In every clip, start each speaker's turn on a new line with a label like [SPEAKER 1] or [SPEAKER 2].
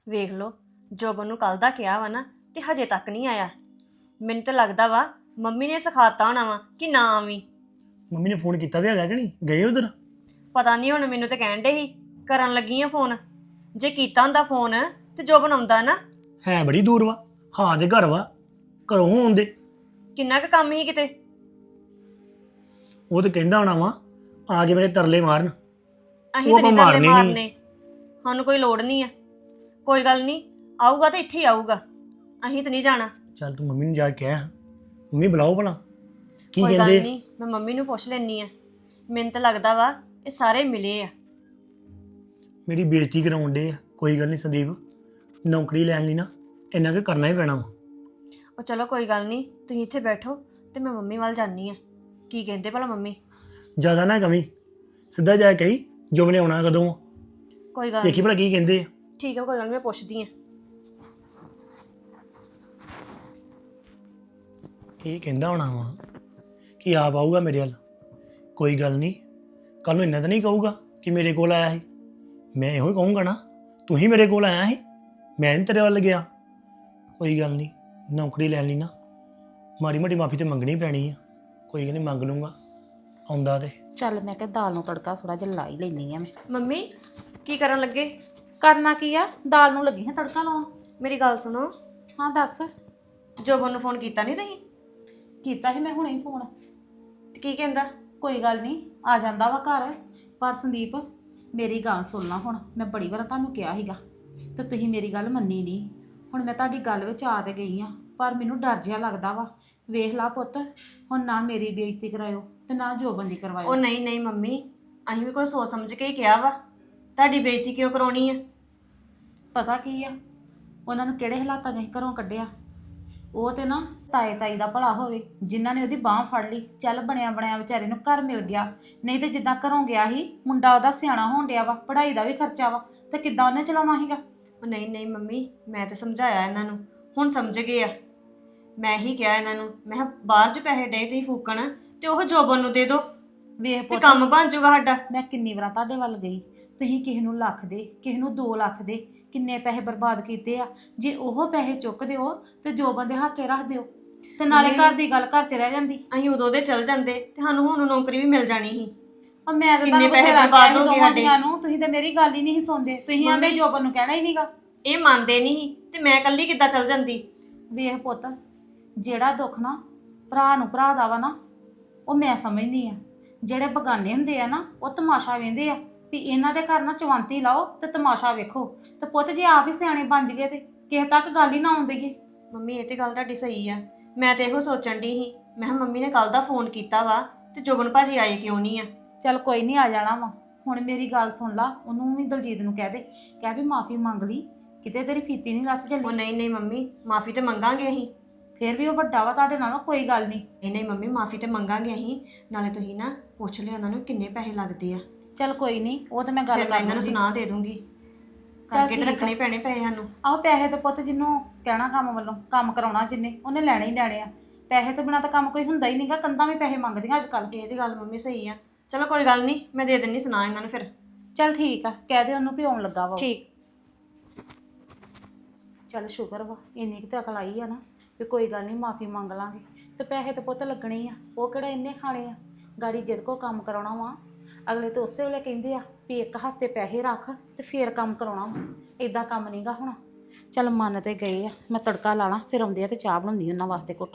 [SPEAKER 1] ਵੇਖ ਲਓ ਜੋਬਨ ਨੂੰ ਕੱਲ ਦਾ ਕਿਹਾ ਵਾ ਨਾ ਤੇ ਹਜੇ ਤੱਕ ਨਹੀਂ ਆਇਆ। ਮੈਨੂੰ ਤਾਂ ਲੱਗਦਾ ਵਾ ਮੰਮੀ ਨੇ ਸਿਖਾਤਾ ਹੋਣਾ ਵਾ ਕਿ ਨਾ ਆਵੀਂ।
[SPEAKER 2] ਮੰਮੀ ਨੇ ਫੋਨ ਕੀਤਾ ਵੀ ਹੈਗਾ ਕਿ ਨਹੀਂ ਗਏ ਉਧਰ?
[SPEAKER 1] ਪਤਾ ਨਹੀਂ ਹੁਣ ਮੈਨੂੰ ਤਾਂ ਕਹਿਣ ਡੇ ਸੀ ਕਰਨ ਲੱਗੀ ਆ ਫੋਨ। ਜੇ ਕੀਤਾ ਹੁੰਦਾ ਫੋਨ ਤੇ ਜੋਬਨ ਆਉਂਦਾ ਨਾ।
[SPEAKER 2] ਹੈ ਬੜੀ ਦੂਰ ਵਾ। ਹਾਂ ਦੇ ਘਰ ਵਾ, ਘਰੋਂ ਆਉਂਦੇ।
[SPEAKER 1] ਕਿੰਨਾ ਕੁ ਕੰਮ ਹੀ ਕਿਤੇ।
[SPEAKER 2] ਉਹ ਤੇ ਕਹਿੰਦਾ ਹੋਣਾ ਵਾ ਆ ਕੇ ਮੇਰੇ ਤਰਲੇ ਮਾਰਨ।
[SPEAKER 1] ਅਸੀਂ
[SPEAKER 2] ਉਹ
[SPEAKER 1] ਤਾਂ ਨਹੀਂ
[SPEAKER 2] ਆਪਾਂ
[SPEAKER 1] ਤਰਲੇ
[SPEAKER 2] ਮਾਰਨੇ ਨੀ।
[SPEAKER 1] ਮਾਰਨੇ, ਸਾਨੂੰ ਕੋਈ ਲੋੜ ਨਹੀਂ ਆ। ਕੋਈ ਗੱਲ ਨਹੀਂ, ਆਊਗਾ ਤਾਂ ਇੱਥੇ ਹੀ ਆਊਗਾ, ਅਸੀਂ ਤਾਂ ਨਹੀਂ ਜਾਣਾ।
[SPEAKER 2] ਚੱਲ ਤੂੰ ਮੰਮੀ ਨੂੰ ਜਾ ਕੇ ਕਹਿ, ਮੰਮੀ ਬੁਲਾਓ ਭਲਾ ਕੀ
[SPEAKER 1] ਕੋਈ ਗੱਲ
[SPEAKER 2] ਕਹਿੰਦੇ।
[SPEAKER 1] ਨਹੀਂ, ਮੈਂ ਮੰਮੀ ਨੂੰ ਪੁੱਛ ਲੈਣੀ ਆ। ਮੈਨੂੰ ਤਾਂ ਲੱਗਦਾ ਵਾ ਇਹ ਸਾਰੇ ਮਿਲੇ ਆ।
[SPEAKER 2] ਮੇਰੀ ਬੇਇੱਜ਼ਤੀ ਕਰਾਉਣ ਡੇ ਆ। ਕੋਈ ਗੱਲ ਨਹੀਂ ਸੰਦੀਪ, ਨੌਕਰੀ ਲੈਣ ਲਈ ਨਾ ਇੰਨਾ ਕੁ ਕਰਨਾ ਹੀ ਪੈਣਾ ਵਾ।
[SPEAKER 1] ਉਹ ਚਲੋ ਕੋਈ ਗੱਲ ਨਹੀਂ, ਤੁਸੀਂ ਇੱਥੇ ਬੈਠੋ ਤੇ ਮੈਂ ਮੰਮੀ ਵੱਲ ਜਾਣੀ ਆ। ਕੀ ਕਹਿੰਦੇ ਭਲਾ ਮੰਮੀ?
[SPEAKER 2] ਜ਼ਿਆਦਾ ਨਾ ਕਵੀ, ਸਿੱਧਾ ਜਾ ਕੇ ਕਹੀ ਜੋ ਮੈਨੇ ਆਉਣਾ ਕਦੋਂ ਆ।
[SPEAKER 1] ਕੋਈ ਗੱਲ
[SPEAKER 2] ਦੇਖੀ
[SPEAKER 1] ਨਹੀਂ,
[SPEAKER 2] ਭਲਾ ਕੀ ਕਹਿੰਦੇ ਆ।
[SPEAKER 1] ਠੀਕ ਹੈ, ਕੋਈ ਗੱਲ ਨੀ, ਮੈਂ ਪੁੱਛਦੀ ਆ।
[SPEAKER 2] ਇਹ ਕਹਿੰਦਾ ਹੋਣਾ ਵਾ ਕਿ ਆਪ ਆਊਗਾ ਮੇਰੇ ਵੱਲ। ਕੋਈ ਗੱਲ ਨਹੀਂ, ਕੱਲ ਨੂੰ ਇੰਨਾ ਤਾਂ ਨਹੀਂ ਕਹੂਗਾ ਕਿ ਮੇਰੇ ਕੋਲ ਆਇਆ ਸੀ। ਮੈਂ ਇਹੋ ਹੀ ਕਹੂੰਗਾ ਨਾ ਤੂੰ ਹੀ ਮੇਰੇ ਕੋਲ ਆਇਆ ਸੀ, ਮੈਂ ਨਹੀਂ ਤੇਰੇ ਵੱਲ ਗਿਆ। ਕੋਈ ਗੱਲ ਨਹੀਂ, ਨੌਕਰੀ ਲੈਣ ਲਈ ਨਾ ਮਾੜੀ ਮੋਟੀ ਮਾਫੀ ਤੇ ਮੰਗਣੀ ਪੈਣੀ ਆ। ਕੋਈ ਗੱਲ ਨਹੀਂ, ਮੰਗ ਲੂੰਗਾ ਆਉਂਦਾ ਤੇ।
[SPEAKER 3] ਚੱਲ ਮੈਂ ਕਿਹਾ ਦਾਲ ਨੂੰ ਤੜਕਾ ਥੋੜਾ ਜਿਹਾ ਲਾ ਹੀ ਲੈਣੀ ਆ ਮੈਂ।
[SPEAKER 1] ਮੰਮੀ ਕੀ ਕਰਨ ਲੱਗੇ?
[SPEAKER 3] ਕਰਨਾ ਕੀ ਆ, ਦਾਲ ਨੂੰ ਲੱਗੀ ਹਾਂ ਤੜਕਾ ਲਾਉਣ।
[SPEAKER 1] ਮੇਰੀ ਗੱਲ ਸੁਣੋ,
[SPEAKER 3] ਹਾਂ ਦੱਸ।
[SPEAKER 1] ਜੋਬਨ ਨੂੰ ਫੋਨ ਕੀਤਾ ਨਹੀਂ ਤੁਸੀਂ?
[SPEAKER 3] ਕੀਤਾ ਸੀ ਮੈਂ ਹੁਣੇ ਹੀ ਫੋਨ।
[SPEAKER 1] ਤੇ ਕੀ ਕਹਿੰਦਾ?
[SPEAKER 3] ਕੋਈ ਗੱਲ ਨਹੀਂ, ਆ ਜਾਂਦਾ ਵਾ ਘਰ। ਪਰ ਸੰਦੀਪ ਮੇਰੀ ਗੱਲ ਸੁਣਨਾ, ਹੁਣ ਮੈਂ ਬੜੀ ਵਾਰ ਤੁਹਾਨੂੰ ਕਿਹਾ ਸੀਗਾ ਤੇ ਤੁਸੀਂ ਮੇਰੀ ਗੱਲ ਮੰਨੀ ਨਹੀਂ। ਹੁਣ ਮੈਂ ਤੁਹਾਡੀ ਗੱਲ ਵਿੱਚ ਆ ਤੇ ਗਈ ਆ, ਪਰ ਮੈਨੂੰ ਡਰ ਜਿਹਾ ਲੱਗਦਾ ਵਾ। ਵੇਖ ਲਾ ਪੁੱਤ, ਹੁਣ ਨਾ ਮੇਰੀ ਬੇਇੱਜ਼ਤੀ ਕਰਾਇਓ ਤੇ ਨਾ ਜੋਬਨ ਦੀ
[SPEAKER 1] ਉਹ
[SPEAKER 3] ਕਰਵਾਇਓ।
[SPEAKER 1] ਨਹੀਂ ਨਹੀਂ ਮੰਮੀ, ਅਸੀਂ ਵੀ ਕੋਈ ਸੋਚ ਸਮਝ ਕੇ ਹੀ ਕਿਹਾ ਵਾ। ਤੁਹਾਡੀ ਬੇਇੱਜ਼ਤੀ ਕਿਉਂ ਕਰਾਉਣੀ ਆ?
[SPEAKER 3] ਪਤਾ ਕੀ ਆ, ਉਹਨਾਂ ਨੂੰ ਕਿਹੜੇ ਹਾਲਾਤਾਂ 'ਚ ਅਸੀਂ ਘਰੋਂ ਕੱਢਿਆ। ਉਹ ਤੇ ਨਾ ਤਾਏ ਤਾਈ ਦਾ ਭਲਾ ਹੋਵੇ ਜਿਨ੍ਹਾਂ ਨੇ ਉਹਦੀ ਬਾਂਹ ਫੜ ਲਈ, ਚੱਲ ਬਣਿਆ ਬਣਿਆ ਵਿਚਾਰੇ ਨੂੰ ਘਰ ਮਿਲ ਗਿਆ। ਨਹੀਂ ਤੇ ਜਿੱਦਾਂ ਘਰੋਂ ਗਿਆ ਸੀ, ਮੁੰਡਾ ਉਹਦਾ ਸਿਆਣਾ ਹੋਣ ਡਿਆ ਵਾ, ਪੜ੍ਹਾਈ ਦਾ ਵੀ ਖਰਚਾ ਵਾ, ਤੇ ਕਿੱਦਾਂ ਉਹਨੇ ਚਲਾਉਣਾ ਸੀਗਾ।
[SPEAKER 1] ਉਹ ਨਹੀਂ ਨਹੀਂ ਮੰਮੀ, ਮੈਂ ਤਾਂ ਸਮਝਾਇਆ ਇਹਨਾਂ ਨੂੰ, ਹੁਣ ਸਮਝ ਗਏ ਆ। ਮੈਂ ਹੀ ਕਿਹਾ ਇਹਨਾਂ ਨੂੰ, ਮੈਂ ਕਿਹਾ ਬਾਹਰ 'ਚ ਪੈਸੇ ਡੇ ਤੁਸੀਂ ਫੂਕਣ ਤੇ ਉਹ ਜੋਬਨ ਨੂੰ ਦੇ ਦਿਓ
[SPEAKER 3] ਵੇਖ
[SPEAKER 1] ਤੇ
[SPEAKER 3] ਪੁੱਤ,
[SPEAKER 1] ਕੰਮ ਬਣ ਜਾਊਗਾ ਸਾਡਾ।
[SPEAKER 3] ਮੈਂ ਕਿੰਨੀ ਵਾਰਾਂ ਤੁਹਾਡੇ ਵੱਲ ਗਈ, ਤੁਸੀਂ ਕਿਸੇ ਨੂੰ ਲੱਖ ਦੇ, ਕਿਸੇ ਨੂੰ 2 ਲੱਖ ਦੇ, ਕਿੰਨੇ ਪੈਸੇ ਬਰਬਾਦ ਕੀਤੇ ਆ। ਜੇ ਉਹ ਪੈਸੇ ਚੁੱਕ ਦਿਓ ਤੇ ਜੋਬਨ ਦੇ ਹੱਥੇ ਰੱਖ ਦਿਓ ਤੇ ਨਾਲੇ ਘਰ ਦੀ ਗੱਲ ਘਰ 'ਚ ਰਹਿ ਜਾਂਦੀ।
[SPEAKER 1] ਅਸੀਂ ਉਦੋਂ ਦੇ ਚੱਲ ਜਾਂਦੇ ਤੇ ਸਾਨੂੰ ਹੁਣ ਨੌਕਰੀ ਵੀ ਮਿਲ ਜਾਣੀ ਸੀ।
[SPEAKER 3] ਆ ਮੈਂ ਤਾਂ
[SPEAKER 1] ਕਿੰਨੇ
[SPEAKER 3] ਤੁਹਾਨੂੰ
[SPEAKER 1] ਪੈਸੇ
[SPEAKER 3] ਬਥੇਰਾ
[SPEAKER 1] ਬਰਬਾਦ
[SPEAKER 3] ਕਿਹਾ
[SPEAKER 1] ਹੋ
[SPEAKER 3] ਸੀ
[SPEAKER 1] ਗਏ
[SPEAKER 3] ਦੋਵਾਂ
[SPEAKER 1] ਸਾਡੇ।
[SPEAKER 3] ਜੀਆਂ ਨੂੰ, ਤੁਸੀਂ ਤਾਂ ਮੇਰੀ ਗੱਲ ਹੀ ਨਹੀਂ ਸੀ ਸੁਣਦੇ। ਤੁਸੀਂ ਆਂਦੇ
[SPEAKER 1] ਮੰਮੀ-
[SPEAKER 3] ਜੋਬਨ ਨੂੰ ਕਹਿਣਾ ਹੀ ਨਹੀਂਗਾ।
[SPEAKER 1] ਇਹ ਮੰਨਦੇ ਨਹੀਂ ਸੀ ਤੇ ਮੈਂ ਇਕੱਲੀ ਕਿੱਦਾਂ ਚੱਲ ਜਾਂਦੀ?
[SPEAKER 3] ਵੇਖ ਪੁੱਤ, ਜਿਹੜਾ ਦੁੱਖ ਨਾ ਭਰਾ ਨੂੰ ਭਰਾ ਦਾ ਵਾ ਨਾ, ਉਹ ਮੈਂ ਸਮਝਦੀ ਆ। ਜਿਹੜੇ ਬਗਾਨੇ ਹੁੰਦੇ ਆ ਨਾ, ਉਹ ਤਮਾਸ਼ਾ ਵੇਂਦੇ ਆ ਵੀ ਇਹਨਾਂ ਦੇ ਘਰ ਨਾ ਚਵੰਤੀ ਲਾਓ ਤੇ ਤਮਾਸ਼ਾ ਵੇਖੋ। ਤੇ ਪੁੱਤ ਜੇ ਆਪ ਹੀ ਸਿਆਣੇ ਬਣ ਜਗੇ ਤੇ ਕਿਸੇ ਤੱਕ ਗੱਲ ਹੀ ਨਾ ਆਉਣ ਦੇਈਏ।
[SPEAKER 1] ਮੰਮੀ ਇਹ ਤੇ ਗੱਲ ਤੁਹਾਡੀ ਸਹੀ ਆ। ਮੈਂ ਤੇ ਇਹੋ ਸੋਚਣ ਦੀ ਸੀ, ਮੈਂ ਕਿਹਾ ਮੰਮੀ ਨੇ ਕੱਲ ਦਾ ਫੋਨ ਕੀਤਾ ਵਾ ਤੇ ਜੋਬਨ ਭਾਜੀ ਆਏ ਕਿਉਂ ਨਹੀਂ ਆ।
[SPEAKER 3] ਚੱਲ ਕੋਈ ਨਹੀਂ, ਆ ਜਾਣਾ ਵਾ। ਹੁਣ ਮੇਰੀ ਗੱਲ ਸੁਣ ਲਾ, ਉਹਨੂੰ ਵੀ ਦਲਜੀਤ ਨੂੰ ਕਹਿ ਦੇ, ਕਹਿ ਵੀ ਮਾਫੀ ਮੰਗ ਲਈ, ਕਿਤੇ ਤੇਰੀ ਫੀਤੀ ਨਹੀਂ ਲੱਥ
[SPEAKER 1] ਉਹ
[SPEAKER 3] ਚੱਲੀ।
[SPEAKER 1] ਨਹੀਂ ਨਹੀਂ ਮੰਮੀ, ਮਾਫੀ ਤੇ ਮੰਗਾਂਗੇ ਅਸੀਂ।
[SPEAKER 3] ਫੇਰ ਵੀ ਉਹ ਵੱਡਾ ਵਾ ਤੁਹਾਡੇ ਨਾਲੋਂ, ਕੋਈ ਗੱਲ ਨਹੀਂ।
[SPEAKER 1] ਨਹੀਂ ਨਹੀਂ ਮੰਮੀ, ਮਾਫੀ ਤੇ ਮੰਗਾਂਗੇ ਅਸੀਂ। ਨਾਲੇ ਤੁਸੀਂ ਨਾ ਪੁੱਛ ਲਿਆ ਉਹਨਾਂ ਨੂੰ ਕਿੰਨੇ ਪੈਸੇ ਲੱਗਦੇ ਆ,
[SPEAKER 3] ਚੱਲ ਕੋਈ ਨਹੀਂ, ਉਹ ਤਾਂ ਮੈਂ ਗੱਲ
[SPEAKER 1] ਫਿਰ ਮੈਂ
[SPEAKER 3] ਕਰ
[SPEAKER 1] ਇਹਨਾਂ ਨੂੰ
[SPEAKER 3] ਲੂੰਗੀ।
[SPEAKER 1] ਸੁਣਾ ਦੇ ਦੂੰਗੀ।
[SPEAKER 3] ਚੱਲ
[SPEAKER 1] ਕਰਕੇ ਤੇ
[SPEAKER 3] ਠੀਕ ਆ।
[SPEAKER 1] ਰੱਖਣੇ ਪੈਣੇ ਪੈਸੇ ਸਾਨੂੰ।
[SPEAKER 3] ਆਹੋ ਪੈਸੇ ਤਾਂ ਪੁੱਤ ਜਿਹਨੂੰ ਕਹਿਣਾ ਕੰਮ ਵੱਲੋਂ, ਕੰਮ ਕਰਾਉਣਾ ਜਿੰਨੇ, ਉਹਨੇ ਲੈਣੇ ਹੀ ਲੈਣੇ ਆ। ਪੈਸੇ ਤੋਂ ਬਿਨਾਂ ਤਾਂ ਕੰਮ ਕੋਈ ਹੁੰਦਾ ਹੀ ਨਹੀਂਗਾ। ਕੰਧਾਂ ਵੀ ਪੈਸੇ ਮੰਗਦੀਆਂ ਅੱਜ ਕੱਲ੍ਹ।
[SPEAKER 1] ਇਹ ਤੇ ਗੱਲ ਮੰਮੀ ਸਹੀ ਆ। ਚਲੋ ਕੋਈ ਗੱਲ ਨਹੀਂ, ਮੈਂ ਦੇ ਦਿੰਨੀ ਸੁਣਾ ਇਹਨਾਂ ਨੂੰ ਫਿਰ।
[SPEAKER 3] ਚੱਲ ਠੀਕ ਆ, ਕਹਿ ਦੇ ਉਹਨੂੰ ਵੀ ਆਉਣ ਲੱਗਾ ਵਾ ਉਹ।
[SPEAKER 1] ਠੀਕ।
[SPEAKER 3] ਚੱਲ ਸ਼ੁਕਰ ਵਾ, ਇੰਨੀ ਕੁ ਤਾਂ ਅਕਲ ਆਈ ਆ ਨਾ ਵੀ ਕੋਈ ਗੱਲ ਨਹੀਂ, ਮਾਫੀ ਮੰਗ ਲਾਂਗੇ। ਤੇ ਪੈਸੇ ਤਾਂ ਪੁੱਤ ਲੱਗਣੇ ਹੀ ਆ, ਉਹ ਕਿਹੜਾ ਇੰਨੇ ਖਾਣੇ ਆ। ਗਾੜੀ ਜਿਹਦੇ ਕੋਲ ਕੰਮ ਕਰਾਉਣਾ ਵਾ, ਅਗਲੇ ਤਾਂ ਉਸੇ ਵੇਲੇ ਕਹਿੰਦੇ ਆ ਵੀ ਇੱਕ ਹੱਥ 'ਤੇ ਪੈਸੇ ਰੱਖ ਤੇ ਫੇਰ ਕੰਮ ਕਰਾਉਣਾ ਵਾ। ਇਦਾਂ ਕੰਮ ਨਹੀਂਗਾ ਹੋਣਾ। ਚੱਲ ਮੰਨ ਤੇ ਗਏ ਆ, ਮੈਂ ਤੜਕਾ ਲਾ ਲਾਂ, ਫਿਰ ਆਉਂਦੇ ਆ ਤੇ ਚਾਹ ਬਣਾਉਂਦੀ ਉਹਨਾਂ ਵਾਸਤੇ ਘੁੱਟ।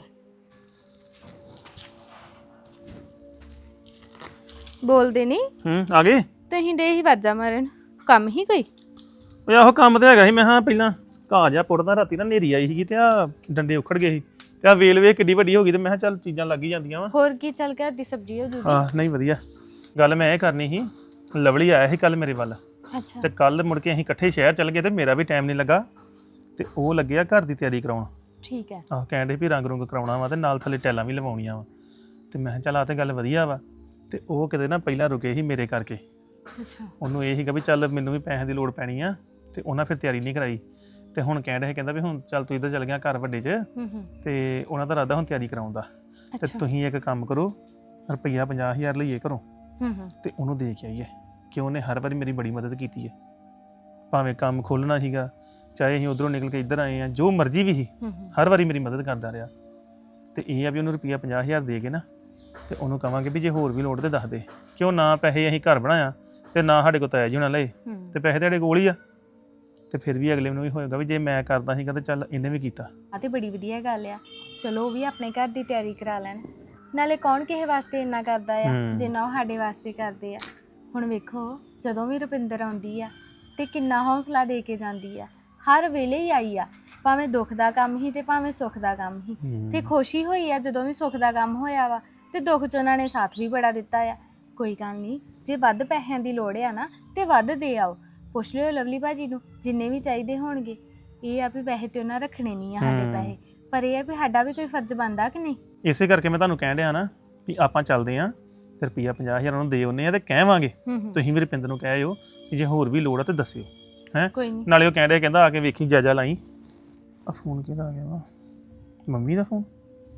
[SPEAKER 4] ਬੋਲਦੇ ਨਹੀਂ
[SPEAKER 5] ਆ ਗਏ।
[SPEAKER 4] ਤੁਸੀਂ ਡੇ ਹੀ ਵਾਜਾ ਮਾਰਨ, ਕੰਮ ਹੀ ਕੋਈ?
[SPEAKER 5] ਓਏ ਆਹੋ ਕੰਮ ਤੇ ਹੈਗਾ ਸੀ। ਮੈਂ ਹਾਂ ਪਹਿਲਾਂ ਘਾਹ ਜਿਹਾ ਪੁੱਟਦਾ, ਰਾਤੀ ਨਾ ਹਨੇਰੀ ਆਈ ਸੀਗੀ ਤੇ ਆ ਡੰਡੇ ਉਖੜ ਗਏ ਸੀ ਤੇ ਆ ਵੇਲ ਵੇਖ ਕਿੱਡੀ ਵੱਡੀ ਹੋ ਗਈ ਤੇ ਮੈਂ ਕਿਹਾ ਚੱਲ ਚੀਜ਼ਾਂ ਲੱਗ ਹੀ ਜਾਂਦੀਆਂ ਵਾ।
[SPEAKER 4] ਹੋਰ ਕੀ, ਚੱਲ ਕੇ ਦੀ ਸਬਜ਼ੀ ਹੋ ਜੂਗੀ।
[SPEAKER 5] ਹਾਂ ਨਹੀਂ ਵਧੀਆ ਗੱਲ। ਮੈਂ ਇਹ ਕਰਨੀ ਸੀ, ਲਵਲੀ ਆਇਆ ਸੀ ਕੱਲ ਮੇਰੇ ਵੱਲ
[SPEAKER 4] ਅੱਛਾ
[SPEAKER 5] ਤੇ ਕੱਲ ਮੁੜ ਕੇ ਅਸੀਂ ਇਕੱਠੇ ਸ਼ਹਿਰ ਚੱਲ ਗਏ ਤੇ ਮੇਰਾ ਵੀ ਟਾਈਮ ਨਹੀਂ ਲੱਗਾ ਤੇ ਉਹ ਲੱਗਿਆ ਘਰ ਦੀ ਤਿਆਰੀ ਕਰਾਉਣ।
[SPEAKER 4] ਠੀਕ ਹੈ।
[SPEAKER 5] ਆਹ ਕਹਿੰਦੇ ਵੀ ਰੰਗ ਰੁੰਗ ਕਰਾਉਣਾ ਵਾ ਤੇ ਨਾਲ ਥੱਲੇ ਟੈਲਾਂ ਵੀ ਲਵਾਉਣੀਆਂ ਵਾ ਤੇ ਮੈਂ ਕਿਹਾ ਚੱਲ ਆ ਤੇ ਗੱਲ ਵਧੀਆ ਵਾ। ਤੇ ਉਹ ਕਿਤੇ ਨਾ ਪਹਿਲਾਂ ਰੁਕੇ ਸੀ ਮੇਰੇ ਕਰਕੇ।
[SPEAKER 4] ਅੱਛਾ
[SPEAKER 5] ਉਹਨੂੰ ਇਹ ਸੀਗਾ ਵੀ ਚੱਲ ਮੈਨੂੰ ਵੀ ਪੈਸੇ ਦੀ ਲੋੜ ਪੈਣੀ ਆ ਤੇ ਉਹਨਾਂ ਫਿਰ ਤਿਆਰੀ ਨਹੀਂ ਕਰਾਈ ਤੇ ਹੁਣ ਕਹਿ ਰਿਹਾ ਕਹਿੰਦਾ ਵੀ ਹੁਣ ਚੱਲ ਤੂੰ ਇੱਧਰ ਚੱਲ ਗਿਆ ਘਰ ਵੱਡੇ 'ਚ ਤੇ ਉਹਨਾਂ ਦਾ ਇਰਾਦਾ ਹੁਣ ਤਿਆਰੀ ਕਰਾਉਣ ਦਾ। ਤੇ
[SPEAKER 4] ਅੱਛਾ
[SPEAKER 5] ਤੁਸੀਂ ਇੱਕ ਕੰਮ ਕਰੋ, ਰੁਪਈਆ 50,000 ਲਈਏ ਘਰੋਂ
[SPEAKER 4] ਹੂੰ
[SPEAKER 5] ਤੇ ਉਹਨੂੰ ਦੇ ਕੇ ਆਈਏ ਕਿ ਉਹਨੇ ਹਰ ਵਾਰੀ ਮੇਰੀ ਬੜੀ ਮਦਦ ਕੀਤੀ ਹੈ। ਭਾਵੇਂ ਕੰਮ ਖੋਲ੍ਹਣਾ ਸੀਗਾ, ਚਾਹੇ ਅਸੀਂ ਉਧਰੋਂ ਨਿਕਲ ਕੇ ਇੱਧਰ ਆਏ ਆ, ਜੋ ਮਰਜ਼ੀ ਵੀ ਸੀ, ਹਰ ਵਾਰੀ ਮੇਰੀ ਮਦਦ ਕਰਦਾ ਰਿਹਾ। ਤੇ ਇਹ ਆ ਵੀ ਉਹਨੂੰ ਰੁਪਈਆ 50,000 ਦੇ ਕੇ ਨਾ ਤੇ ਉਹਨੂੰ ਕਵਾਂਗੇ ਵੀ ਜੇ ਹੋਰ ਵੀ ਲੋੜ ਤੇ ਦੱਸ ਦੇ, ਕਿਉਂ ਨਾ ਪੈਸੇ ਅਸੀਂ ਘਰ ਬਣਾਇਆ ਤੇ ਨਾ ਸਾਡੇ ਕੋਲ ਤਾਇਆ ਜੀ ਹੋਣਾ ਲਏ, ਤੇ ਪੈਸੇ ਤੁਹਾਡੇ ਕੋਲ ਹੀ ਆ। ਤੇ ਫਿਰ ਵੀ ਅਗਲੇ ਨੂੰ ਵੀ ਹੋਏਗਾ ਵੀ ਜੇ ਮੈਂ ਕਰਦਾ ਸੀਗਾ ਤੇ ਚੱਲ ਇਹਨੇ ਵੀ ਕੀਤਾ।
[SPEAKER 4] ਆ ਤੇ ਬੜੀ ਵਧੀਆ ਗੱਲ ਆ। ਚਲੋ ਉਹ ਵੀ ਆਪਣੇ ਘਰ ਦੀ ਤਿਆਰੀ ਕਰਾ ਲੈਣ। ਨਾਲੇ ਕੌਣ ਕਿਸੇ ਵਾਸਤੇ ਇੰਨਾ ਕਰਦਾ ਆ ਜਿੰਨਾ ਉਹ ਸਾਡੇ ਵਾਸਤੇ ਕਰਦੇ ਆ। ਹੁਣ ਵੇਖੋ ਜਦੋਂ ਵੀ ਰੁਪਿੰਦਰ ਆਉਂਦੀ ਆ ਤੇ ਕਿੰਨਾ ਹੌਸਲਾ ਦੇ ਕੇ ਜਾਂਦੀ ਆ। ਹਰ ਵੇਲੇ ਹੀ ਆਈ ਆ, ਭਾਵੇਂ ਦੁੱਖ ਦਾ ਕੰਮ ਹੀ ਤੇ ਭਾਵੇਂ ਸੁੱਖ ਦਾ ਕੰਮ ਹੀ। ਤੇ ਖੁਸ਼ੀ ਹੋਈ ਆ ਜਦੋਂ ਵੀ ਸੁੱਖ ਦਾ ਕੰਮ ਹੋਇਆ ਵਾ, ਤੇ ਦੁੱਖ 'ਚ ਉਹਨਾਂ ਨੇ ਸਾਥ ਵੀ ਬੜਾ ਦਿੱਤਾ ਆ। ਕੋਈ ਗੱਲ ਨਹੀਂ, ਜੇ ਵੱਧ ਪੈਸਿਆਂ ਦੀ ਲੋੜ ਆ ਨਾ ਤੇ ਵੱਧ ਦੇ ਆਓ। ਪੁੱਛ ਲਿਓ ਲਵਲੀ ਭਾਜੀ ਨੂੰ, ਜਿੰਨੇ ਵੀ ਚਾਹੀਦੇ ਹੋਣਗੇ। ਇਹ ਆ ਵੀ ਪੈਸੇ ਤੇ ਉਹਨਾਂ ਰੱਖਣੇ ਨਹੀਂ ਆ ਸਾਡੇ ਪੈਸੇ, ਪਰ ਇਹ ਆ ਵੀ ਸਾਡਾ ਵੀ ਕੋਈ ਫਰਜ਼ ਬਣਦਾ ਕਿ ਨਹੀਂ।
[SPEAKER 5] ਇਸੇ ਕਰਕੇ ਮੈਂ ਤੁਹਾਨੂੰ ਕਹਿਣ ਡਿਆ ਨਾ ਵੀ ਆਪਾਂ ਚੱਲਦੇ ਆਂ ਤੇ ਰੁਪਈਆ 50,000 ਉਹਨੂੰ ਦੇ ਆਉਂਦੇ ਆ ਤੇ ਕਹਿਵਾਂਗੇ ਤੁਸੀਂ ਵੀ ਰੁਪਿੰਦਰ ਨੂੰ ਕਹਿਓ ਕਿ ਜੇ ਹੋਰ ਵੀ ਲੋੜ ਆ ਤੇ ਦੱਸਿਓ ਹੈ।
[SPEAKER 4] ਕੋਈ ਨਹੀਂ।
[SPEAKER 5] ਨਾਲੇ ਉਹ ਕਹਿਣ ਡਿਆ ਕਹਿੰਦਾ ਆ ਕੇ ਵੇਖੀ ਜਾਜਾ ਲਾਈ। ਆ ਫੋਨ ਕਿਹਦਾ ਆ ਗਿਆ ਵਾ? ਮੰਮੀ ਦਾ ਫੋਨ।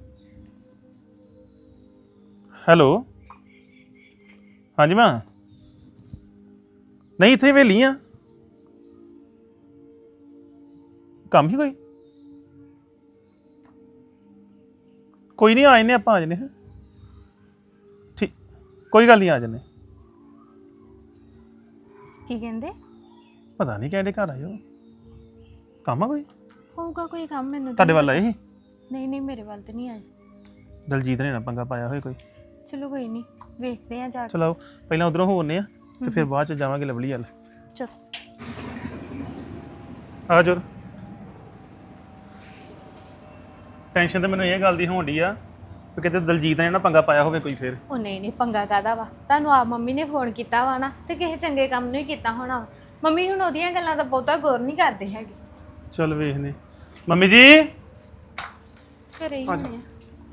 [SPEAKER 5] ਹੈਲੋ, ਹਾਂਜੀ ਮਾਂ। ਨਹੀਂ ਇੱਥੇ ਵੇਲੀ ਆ, ਕੰਮ ਹੀ ਕੋਈ ਨਹੀਂ, ਆ ਜੰਨੇ ਆਪਾਂ, ਆ ਜੰਨੇ। ਠੀਕ, ਕੋਈ ਗੱਲ ਨਹੀਂ, ਆ ਜੰਨੇ।
[SPEAKER 4] ਕੀ ਕਹਿੰਦੇ?
[SPEAKER 5] ਪਤਾ ਨਹੀਂ ਕਹਿੰਦੇ ਘਰ ਆਇਓ, ਕੰਮ ਆ ਕੋਈ?
[SPEAKER 4] ਹੋਊਗਾ ਕੋਈ ਕੰਮ, ਮੈਨੂੰ
[SPEAKER 5] ਤੁਹਾਡੇ ਵੱਲ ਆਏ ਸੀ?
[SPEAKER 4] ਨਹੀਂ ਮੇਰੇ ਵੱਲ ਤੇ ਨਹੀਂ ਆਏ।
[SPEAKER 5] ਦਲਜੀਤ ਨੇ ਨਾ ਪੰਗਾ ਪਾਇਆ ਹੋਏ ਕੋਈ?
[SPEAKER 4] ਚਲੋ ਕੋਈ ਨਹੀਂ, ਵੇਖਦੇ ਆ ਜਾ ਕੇ।
[SPEAKER 5] ਚਲੋ ਪਹਿਲਾਂ ਉਧਰੋਂ ਹੋਣੇ ਆ ਤੇ ਫਿਰ ਬਾਅਦ ਚ ਜਾਵਾਂਗੇ ਲਵਲੀ ਵੱਲ।
[SPEAKER 4] ਚਲ
[SPEAKER 5] ਆ ਜੋਰ। ਟੈਨਸ਼ਨ ਤਾਂ ਮੈਨੂੰ ਇਹ ਗੱਲ ਦੀ ਹੋਣ ਡਈ ਆ ਕਿ ਕਿਤੇ ਦਲਜੀਤ ਨੇ ਨਾ ਪੰਗਾ ਪਾਇਆ ਹੋਵੇ ਕੋਈ ਫੇਰ।
[SPEAKER 4] ਉਹ ਨਹੀਂ ਪੰਗਾ ਕਾਦਾ ਵਾ, ਤੁਹਾਨੂੰ ਆਪ ਮੰਮੀ ਨੇ ਫੋਨ ਕੀਤਾ ਵਾ ਨਾ, ਤੇ ਕਿਸੇ ਚੰਗੇ ਕੰਮ ਨੂੰ ਹੀ ਕੀਤਾ ਹੋਣਾ। ਮੰਮੀ ਹੁਣ ਉਹਦੀਆਂ ਗੱਲਾਂ ਦਾ ਬਹੁਤਾ ਗੌਰ ਨਹੀਂ ਕਰਦੇ ਹੈਗੇ।
[SPEAKER 5] ਚਲ ਵੇਖਨੇ। ਮੰਮੀ ਜੀ
[SPEAKER 4] ਘਰੇ ਹੀ ਹੋਣੇ ਆ।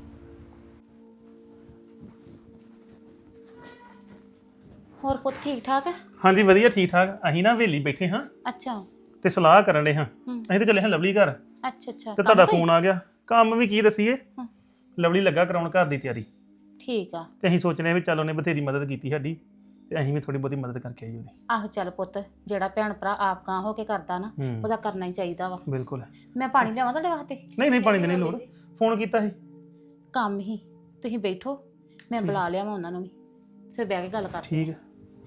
[SPEAKER 3] ਹੋਰ ਪੁੱਤ ਠੀਕ ਠਾਕ ਹੈ?
[SPEAKER 5] ਹਾਂਜੀ ਵਧੀਆ ਠੀਕ ਠਾਕ। ਅਸੀਂ ਨਾ ਹਵੇਲੀ ਬੈਠੇ ਹਾਂ
[SPEAKER 3] ਅੱਛਾ
[SPEAKER 5] ਤੇ ਸਲਾਹ ਕਰਨ ਦੇ ਹਾਂ। ਅਸੀਂ ਤੇ ਚੱਲੇ ਹਾਂ ਲਵਲੀ ਘਰ
[SPEAKER 3] ਅੱਛਾ
[SPEAKER 5] ਤੇ ਤੁਹਾਡਾ ਫੋਨ ਆ ਗਿਆ। ਕੰਮ ਵੀ ਕੀ ਦੱਸੀਏ, ਲਵਲੀ ਲੱਗਾ ਕਰਾਉਣ ਘਰ ਦੀ ਤਿਆਰੀ।
[SPEAKER 3] ਠੀਕ ਆ।
[SPEAKER 5] ਤੇ ਅਸੀਂ ਸੋਚਨੇ ਵੀ ਚੱਲ ਉਹਨੇ ਬਥੇਰੀ ਮਦਦ ਕੀਤੀ ਸਾਡੀ ਤੇ ਅਸੀਂ ਵੀ ਥੋੜੀ ਬਹੁਤੀ ਮਦਦ ਕਰਕੇ ਆਈ ਉਹਦੀ।
[SPEAKER 3] ਆਹੋ ਚੱਲ ਪੁੱਤ, ਜਿਹੜਾ ਭੈਣ ਭਰਾ ਆਪ ਗਾਂ ਹੋ ਕੇ ਕਰਦਾ ਨਾ ਉਹਦਾ ਕਰਨਾ ਹੀ ਚਾਹੀਦਾ ਵਾ।
[SPEAKER 5] ਬਿਲਕੁਲ।
[SPEAKER 3] ਮੈਂ ਪਾਣੀ ਲਿਆਵਾਂ ਤੁਹਾਡੇ ਵਾਸਤੇ?
[SPEAKER 5] ਨਹੀਂ ਪਾਣੀ ਦੀ ਨਹੀਂ ਲੋੜ। ਫੋਨ ਕੀਤਾ ਸੀ
[SPEAKER 3] ਕੰਮ ਹੀ, ਤੁਸੀਂ ਬੈਠੋ, ਮੈਂ ਬੁਲਾ ਲਿਆਵਾਂ ਉਹਨਾਂ ਨੂੰ ਵੀ, ਫਿਰ ਬਹਿ ਕੇ ਗੱਲ ਕਰਦੇ।
[SPEAKER 5] ਠੀਕ ਹੈ।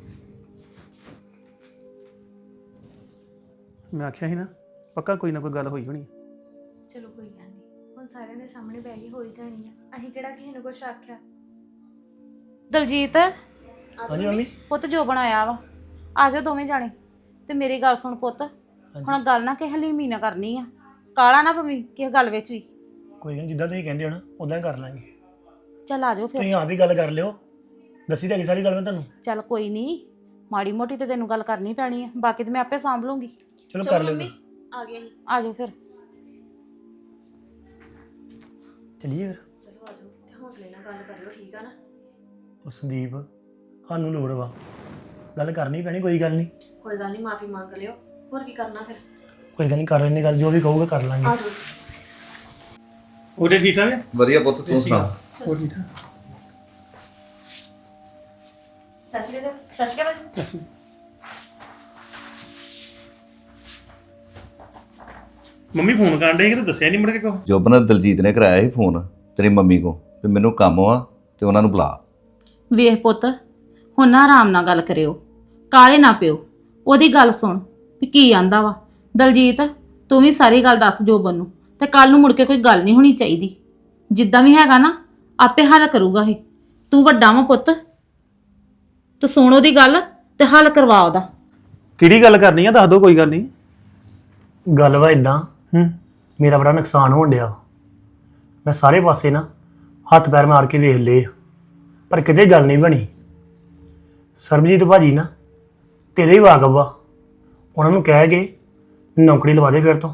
[SPEAKER 5] ਮੈਂ ਆਖਿਆ ਸੀ ਨਾ ਪੱਕਾ ਕੋਈ ਨਾ ਕੋਈ ਗੱਲ ਹੋਈ ਹੋਣੀ।
[SPEAKER 4] ਚਲੋ ਕੋਈ ਗੱਲ ਨਹੀਂ, ਹੁਣ ਸਾਰਿਆਂ ਦੇ ਸਾਹਮਣੇ ਬਹਿ ਕੇ ਹੋ ਹੀ ਜਾਣੀ ਆ। ਅਸੀਂ ਕਿਹੜਾ ਕਿਸੇ ਨੂੰ ਕੁਛ ਆਖਿਆ।
[SPEAKER 3] ਦਲਜੀਤ
[SPEAKER 2] ਹਾਂਜੀ ਮੰਮੀ।
[SPEAKER 3] ਪੁੱਤ ਜੋ ਬਣਾਇਆ ਵਾ, ਆ ਜਾਓ ਦੋਵੇਂ ਜਾਣੇ। ਤੇ ਮੇਰੀ ਗੱਲ ਸੁਣ ਪੁੱਤ, ਹੁਣ ਗੱਲ ਨਾ ਕਿਸੇ ਹਲੀਮੀ ਨਾ ਕਰਨੀ ਆ, ਕਾਲਾ ਨਾ ਪਵੀਂ ਕਿਸੇ ਗੱਲ ਵਿੱਚ ਵੀ।
[SPEAKER 2] ਕੋਈ ਨਹੀਂ, ਜਿੱਦਾਂ ਤੁਸੀਂ ਕਹਿੰਦੇ ਹੋ ਨਾ ਉਦਾਂ ਹੀ ਕਰ ਲਾਂਗੇ।
[SPEAKER 3] ਚੱਲ ਆ ਜਾਓ ਫਿਰ।
[SPEAKER 2] ਤੁਸੀਂ ਆਪ ਵੀ ਗੱਲ ਕਰ ਲਿਓ, ਦੱਸੀ ਤਾਂ ਹੈਗੀ ਸਾਰੀ ਗੱਲ ਮੈਂ ਤੁਹਾਨੂੰ।
[SPEAKER 3] ਚੱਲ ਕੋਈ ਨਹੀਂ, ਮਾੜੀ ਮੋਟੀ ਤੇ ਤੈਨੂੰ ਗੱਲ ਕਰਨੀ ਪੈਣੀ ਆ, ਬਾਕੀ ਤੇ ਮੈਂ ਆਪੇ ਸਾਂਭ ਲੂੰਗੀ।
[SPEAKER 2] ਚਲੋ ਕਰ ਲਿਓ।
[SPEAKER 1] ਆ ਗਿਆ ਸੀ।
[SPEAKER 3] ਆ ਜਾਓ ਫਿਰ।
[SPEAKER 2] ਚਲੀਏ ਫਿਰ।
[SPEAKER 1] ਚਲੋ ਆ ਜਾਓ ਤੇ ਹੌਸਲੇ ਨਾਲ ਗੱਲ ਕਰਿਓ, ਠੀਕ ਆ ਨਾ?
[SPEAKER 2] ਉਹ ਸੰਦੀਪ, ਸਾਨੂੰ ਲੋੜ ਵਾ, ਗੱਲ ਕਰਨੀ ਪੈਣੀ। ਕੋਈ ਗੱਲ ਨਹੀਂ,
[SPEAKER 1] ਕੋਈ ਗੱਲ ਨਹੀਂ, ਮਾਫੀ ਮੰਗ ਲਿਓ। ਹੋਰ ਕੀ ਕਰਨਾ ਫਿਰ?
[SPEAKER 2] ਕੋਈ ਗੱਲ ਨਹੀਂ, ਕਰ ਲੈਣੀ ਗੱਲ, ਜੋ ਵੀ ਕਹੂਗਾ ਕਰ ਲਾਂਗੇ।
[SPEAKER 1] ਆ ਜਾਓ।
[SPEAKER 5] ਉਹਦੇ ਠੀਕ ਠਾਕ ਹੈ?
[SPEAKER 6] ਵਧੀਆ ਪੁੱਤ, ਤੂੰ ਸੁਣਾ?
[SPEAKER 5] ਹੋਰ ਠੀਕ ਠਾਕ।
[SPEAKER 1] ਸਤਿ ਸ਼੍ਰੀ ਅਕਾਲ ਭਾਜੀ।
[SPEAKER 5] ਮੰਮੀ ਫੋਨ ਕਰਨ ਡੇ ਕਿ ਦੱਸਿਆ ਨਹੀਂ ਮੁੜ ਕੇ ਕੋ?
[SPEAKER 6] ਜੋਬਨ ਦਲਜੀਤ ਨੇ ਕਰਾਇਆ ਸੀ ਫੋਨ ਤੇਰੀ ਮੰਮੀ ਕੋ ਵੀ ਮੈਨੂੰ ਕੰਮ ਵਾ ਤੇ ਉਹਨਾਂ ਨੂੰ ਬੁਲਾ।
[SPEAKER 3] ਵੇਖ ਪੁੱਤ, ਹੁਣ ਨਾ ਆਰਾਮ ਨਾਲ ਗੱਲ ਕਰਿਓ, ਕਾਲੇ ਨਾ ਪਿਓ। ਉਹਦੀ ਗੱਲ ਸੁਣ ਵੀ ਕੀ ਆਂਦਾ ਵਾ। ਦਲਜੀਤ ਤੂੰ ਵੀ ਸਾਰੀ ਗੱਲ ਦੱਸ ਜੋਬਨ ਨੂੰ, ਤੇ ਕੱਲ ਨੂੰ ਮੁੜ ਕੇ ਕੋਈ ਗੱਲ ਨਹੀਂ ਹੋਣੀ ਚਾਹੀਦੀ। ਜਿੱਦਾਂ ਵੀ ਹੈਗਾ ਨਾ ਆਪੇ ਹੱਲ ਕਰੂਗਾ ਇਹ। ਤੂੰ ਵੱਡਾ ਵਾ ਪੁੱਤ, ਤੂੰ ਸੁਣ ਉਹਦੀ ਗੱਲ ਤੇ ਹੱਲ ਕਰਵਾ ਉਹਦਾ।
[SPEAKER 5] ਕਿਹੜੀ ਗੱਲ ਕਰਨੀ ਆ ਦੱਸ ਦੋ, ਕੋਈ ਗੱਲ ਨਹੀਂ।
[SPEAKER 2] ਗੱਲ ਵਾ ਇਦਾਂ, ਮੇਰਾ ਬੜਾ ਨੁਕਸਾਨ ਹੋਣ ਡਿਆ। ਮੈਂ ਸਾਰੇ ਪਾਸੇ ਨਾ ਹੱਥ ਪੈਰ ਮਾਰ ਕੇ ਵੇਖ ਲਏ, ਪਰ ਕਿਤੇ ਗੱਲ ਨਹੀਂ ਬਣੀ। ਸਰਬਜੀਤ ਭਾਜੀ ਨਾ ਤੇਰੇ ਹੀ ਵਾਕਫ ਵਾ, ਉਹਨਾਂ ਨੂੰ ਕਹਿ ਕੇ ਨੌਕਰੀ ਲਵਾ ਦੇ ਫਿਰ ਤੋਂ।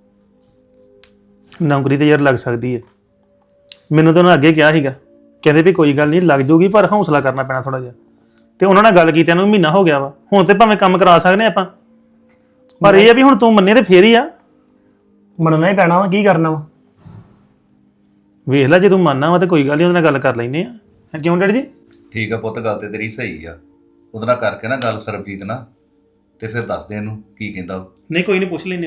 [SPEAKER 5] ਨੌਕਰੀ ਤੇ ਯਾਰ ਲੱਗ ਸਕਦੀ ਹੈ, ਮੈਨੂੰ ਤਾਂ ਉਹਨਾਂ ਅੱਗੇ ਕਿਹਾ ਸੀਗਾ, ਕਹਿੰਦੇ ਵੀ ਕੋਈ ਗੱਲ ਨਹੀਂ ਲੱਗ ਜੂਗੀ, ਪਰ ਹੌਸਲਾ ਕਰਨਾ ਪੈਣਾ ਥੋੜਾ ਜਿਹਾ। ਤੇ ਉਹਨਾਂ ਨਾਲ ਗੱਲ ਕੀਤਿਆਂ ਨੂੰ ਮਹੀਨਾ ਹੋ ਗਿਆ ਵਾ। ਹੁਣ ਤੇ ਭਾਵੇਂ ਕੰਮ ਕਰਾ ਸਕਦੇ ਆਪਾਂ, ਪਰ ਇਹ ਆ ਵੀ ਹੁਣ ਤੂੰ ਮੰਨੇ ਤੇ ਫੇਰ ਹੀ ਆ।
[SPEAKER 2] ਮੰਨਣਾ ਹੀ ਪੈਣਾ ਵਾ, ਕੀ ਕਰਨਾ ਵਾ।
[SPEAKER 5] ਵੇਖ ਲੈ ਜੇ ਤੂੰ ਮੰਨਣਾ ਵਾ ਤੇ ਕੋਈ ਗੱਲ ਨਹੀਂ, ਉਹਦੇ ਨਾਲ ਗੱਲ ਕਰ ਲੈਂਦੇ ਆ। ਕਿਉਂ ਡੈਡੀ ਜੀ?
[SPEAKER 6] ਠੀਕ ਆ ਪੁੱਤ, ਗੱਲ ਤੇ ਤੇਰੀ ਸਹੀ ਆ। ਉਹਦੇ ਨਾਲ ਕਰਕੇ ਨਾ ਗੱਲ ਸਰਬਜੀਤ ਨਾਲ, ਤੇ ਫਿਰ ਦੱਸ ਦੇ ਇਹਨੂੰ ਕੀ ਕਹਿੰਦਾ ਉਹ।
[SPEAKER 5] ਨਹੀਂ ਕੋਈ ਨਹੀਂ, ਪੁੱਛ ਲੈਂਦੇ ਉਹਨੂੰ।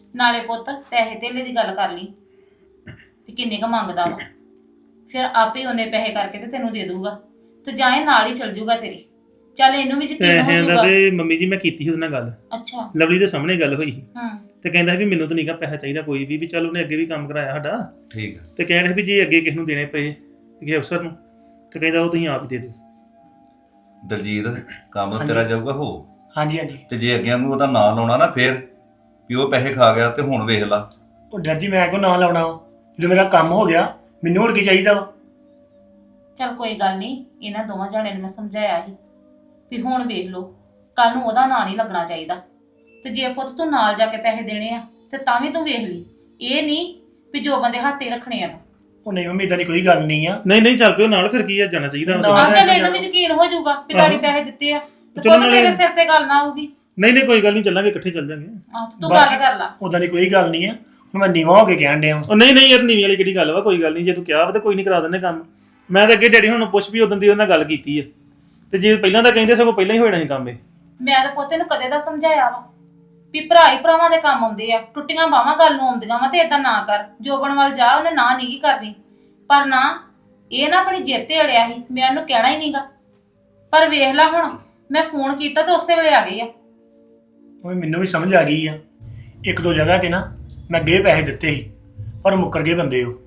[SPEAKER 3] ਨਾਲੇ ਪੁੱਤ ਪੈਸੇ ਧੇਲੇ ਦੀ ਗੱਲ ਕਰ ਲਈ ਵੀ ਕਿੰਨੇ ਕ ਮੰਗਦਾ ਵਾ, ਫਿਰ ਆਪੇ ਉਹਨੇ ਪੈਸੇ ਕਰਕੇ ਤੇ ਤੈਨੂੰ ਦੇ ਦੂਗਾ ਤੇ ਜਾਂ ਇਹ ਨਾਲ ਹੀ ਚਲ ਜੂਗਾ ਤੇਰੀ। ਚੱਲ ਇਹਨੂੰ ਵੀ ਯਕੀਨ ਹੋ
[SPEAKER 5] ਪੈਸਿਆਂ ਦਾ
[SPEAKER 3] ਜਾਊਗਾ।
[SPEAKER 5] ਤੇ ਮੰਮੀ ਜੀ ਮੈਂ ਕੀਤੀ ਸੀ ਉਹਦੇ ਨਾਲ ਗੱਲ,
[SPEAKER 3] ਅੱਛਾ।
[SPEAKER 5] ਲਵਲੀ ਦੇ ਸਾਹਮਣੇ ਗੱਲ ਹੋਈ ਸੀ
[SPEAKER 3] ਹਾਂ
[SPEAKER 5] ਤੇ ਕਹਿੰਦਾ ਸੀ ਵੀ ਮੈਨੂੰ ਤਾਂ ਨਹੀਂਗਾ ਪੈਸਾ ਚਾਹੀਦਾ ਕੋਈ ਵੀ ਚੱਲ ਉਹਨੇ ਅੱਗੇ ਵੀ ਕੰਮ ਕਰਾਇਆ ਸਾਡਾ,
[SPEAKER 6] ਠੀਕ ਆ।
[SPEAKER 5] ਤੇ ਕਹਿਣ ਵੀ ਜੇ ਅੱਗੇ ਕਿਸ ਨੂੰ ਦੇਣੇ ਪਏ ਕਿਸੇ ਅਫਸਰ ਨੂੰ ਤੇ ਕਹਿੰਦਾ ਉਹ ਤੁਸੀਂ ਆਪ ਹੀ ਦੇ ਦਿਓ।
[SPEAKER 6] ਦਲਜੀਤ ਕੰਮ ਤੇਰਾ ਜਾਊਗਾ ਹੋ,
[SPEAKER 2] ਹਾਂਜੀ ਹਾਂਜੀ।
[SPEAKER 6] ਤੇ ਜੇ ਅੱਗੇ ਨੂੰ ਉਹਦਾ ਨਾਂ ਲਾਉਣਾ ਨਾ ਫੇਰ ਵੀ ਉਹ ਪੈਸੇ ਖਾ ਗਿਆ ਤੇ ਹੁਣ ਵੇਖ ਲਾ।
[SPEAKER 2] ਉਹ ਡਰ ਜੀ ਮੈਂ ਕੋ ਨਾਂ ਲਾਉਣਾ ਵਾ, ਜਦੋਂ ਮੇਰਾ ਕੰਮ ਹੋ ਗਿਆ ਮੈਨੂੰ ਹੋਰ ਕੀ ਚਾਹੀਦਾ ਵਾ।
[SPEAKER 3] ਚੱਲ ਕੋਈ ਗੱਲ ਨਹੀਂ, ਇਹਨਾਂ ਦੋਵਾਂ ਜਾਣਿਆਂ ਨੂੰ ਮੈਂ ਸਮਝਾਇਆ ਸੀ ਵੀ ਹੁਣ ਵੇਖ ਲਓ, ਕੱਲ ਨੂੰ ਉਹਦਾ ਨਾਂ ਨਹੀਂ ਲੱਗਣਾ ਚਾਹੀਦਾ। ਤੇ ਜੇ ਪੁੱਤ ਤੂੰ ਨਾਲ ਜਾ ਕੇ ਪੈਸੇ ਦੇਣੇ ਆ ਤੇ ਤਾਂ ਵੀ ਤੂੰ ਵੇਖ ਲਈ, ਇਹ ਨਹੀਂ ਵੀ ਜੋ ਬੰਦੇ ਹੱਥੇ ਰੱਖਣੇ ਆ ਤੂੰ।
[SPEAKER 2] ਉਹ ਨਹੀਂ ਮੰਮੀ, ਇਦਾਂ ਦੀ ਕੋਈ ਗੱਲ ਨਹੀਂ ਆ।
[SPEAKER 5] ਨਹੀਂ ਚੱਲ ਪਿਓ ਨਾਲ, ਫਿਰ ਕੀ ਆ, ਜਾਣਾ ਚਾਹੀਦਾ ਵਾ।
[SPEAKER 3] ਆ ਚੱਲ ਇਹਨੂੰ ਵੀ ਯਕੀਨ ਹੋ ਜਾਊਗਾ ਵੀ ਗਾੜੀ ਪੈਸੇ ਦਿੱਤੇ ਆ ਤੇ
[SPEAKER 5] ਚਲੋ
[SPEAKER 3] ਪੁੱਤ
[SPEAKER 5] ਨਾਲੇ-
[SPEAKER 3] ਤੇਰੇ ਸਿਰ ਤੇ ਗੱਲ ਨਾ ਆਊਗੀ।
[SPEAKER 5] ਨਹੀਂ ਕੋਈ ਗੱਲ ਨਹੀਂ, ਚੱਲਾਂਗੇ ਇਕੱਠੇ ਚੱਲ ਜਾਂਗੇ।
[SPEAKER 3] ਆਹ ਤੂੰ ਗੱਲ ਕਰ ਲਾ।
[SPEAKER 2] ਉਦਾਂ ਦੀ ਕੋਈ ਗੱਲ ਨਹੀਂ ਆ, ਹੁਣ ਮੈਂ ਨੀਵਾਂ ਹੋ ਕੇ ਕਹਿਣ ਡਿਆ ਵਾਂ।
[SPEAKER 5] ਉਹ ਨਹੀਂ ਯਾਰ, ਨੀਵੀਂ ਵਾਲੀ ਕਿਹੜੀ ਗੱਲ ਵਾ, ਕੋਈ ਗੱਲ ਨਹੀਂ, ਜੇ ਤੂੰ ਕਿਹਾ ਵਾ ਤਾਂ ਕੋਈ ਨਹੀਂ, ਕਰਾ ਦਿੰਦੇ ਕੰਮ। ਮੈਂ ਤਾਂ ਅੱਗੇ ਡੈਡੀ ਹੁਣ ਪੁੱਛ ਵੀ ਉਦੋਂ ਦੀ ਉਹਨਾਂ ਨਾਲ ਗੱਲ ਕੀਤੀ ਆ, ਤੇ ਜੇ ਪਹਿਲਾਂ ਤਾਂ ਕਹਿੰਦੇ ਸਗੋਂ ਪਹਿਲਾਂ ਹੀ ਹੋਣਾ ਸੀ ਕੰਮ ਇਹ।
[SPEAKER 3] ਮੈਂ ਤਾਂ ਪੋਤੇ ਨੂੰ ਕਦੇ ਦਾ ਸਮਝਾਇਆ ਵਾ ਵੀ ਭਰਾ ਹੀ ਭਰਾਵਾਂ ਦੇ ਕੰਮ ਆਉਂਦੇ ਆ, ਟੁੱਟੀਆਂ ਬਾਹਾਂ ਗੱਲ ਨੂੰ ਆਉਂਦੀਆਂ ਵਾ ਤੇ ਏਦਾਂ ਨਾ ਕਰ। ਜੋਬਨ ਵੱਲ ਜਾ, ਉਹਨੇ ਨਾ ਨੀਗੀ ਕਰਨੀ, ਪਰ ਨਾ ਇਹ ਨਾ ਆਪਣੀ ਜਿੱਦ ਤੇ ਅੜਿਆ ਸੀ, ਮੈਂ ਉਹਨੂੰ ਕਹਿਣਾ ਹੀ ਨਹੀਂਗਾ। ਪਰ ਵੇਖ ਲੈ ਹੁਣ ਮੈਂ ਫੋਨ ਕੀਤਾ ਤੇ ਉਸੇ ਵੇਲੇ ਆ ਗਏ ਆ।
[SPEAKER 2] ਉਹ ਮੈਨੂੰ ਵੀ ਸਮਝ ਆ ਗਈ ਆ, ਇੱਕ ਦੋ ਜਗ੍ਹਾ ਤੇ ਨਾ ਮੈਂ ਅੱਗੇ ਪੈਸੇ ਦਿੱਤੇ ਸੀ ਪਰ ਮੁੱਕਰ ਗਏ ਬੰਦੇ ਉਹ।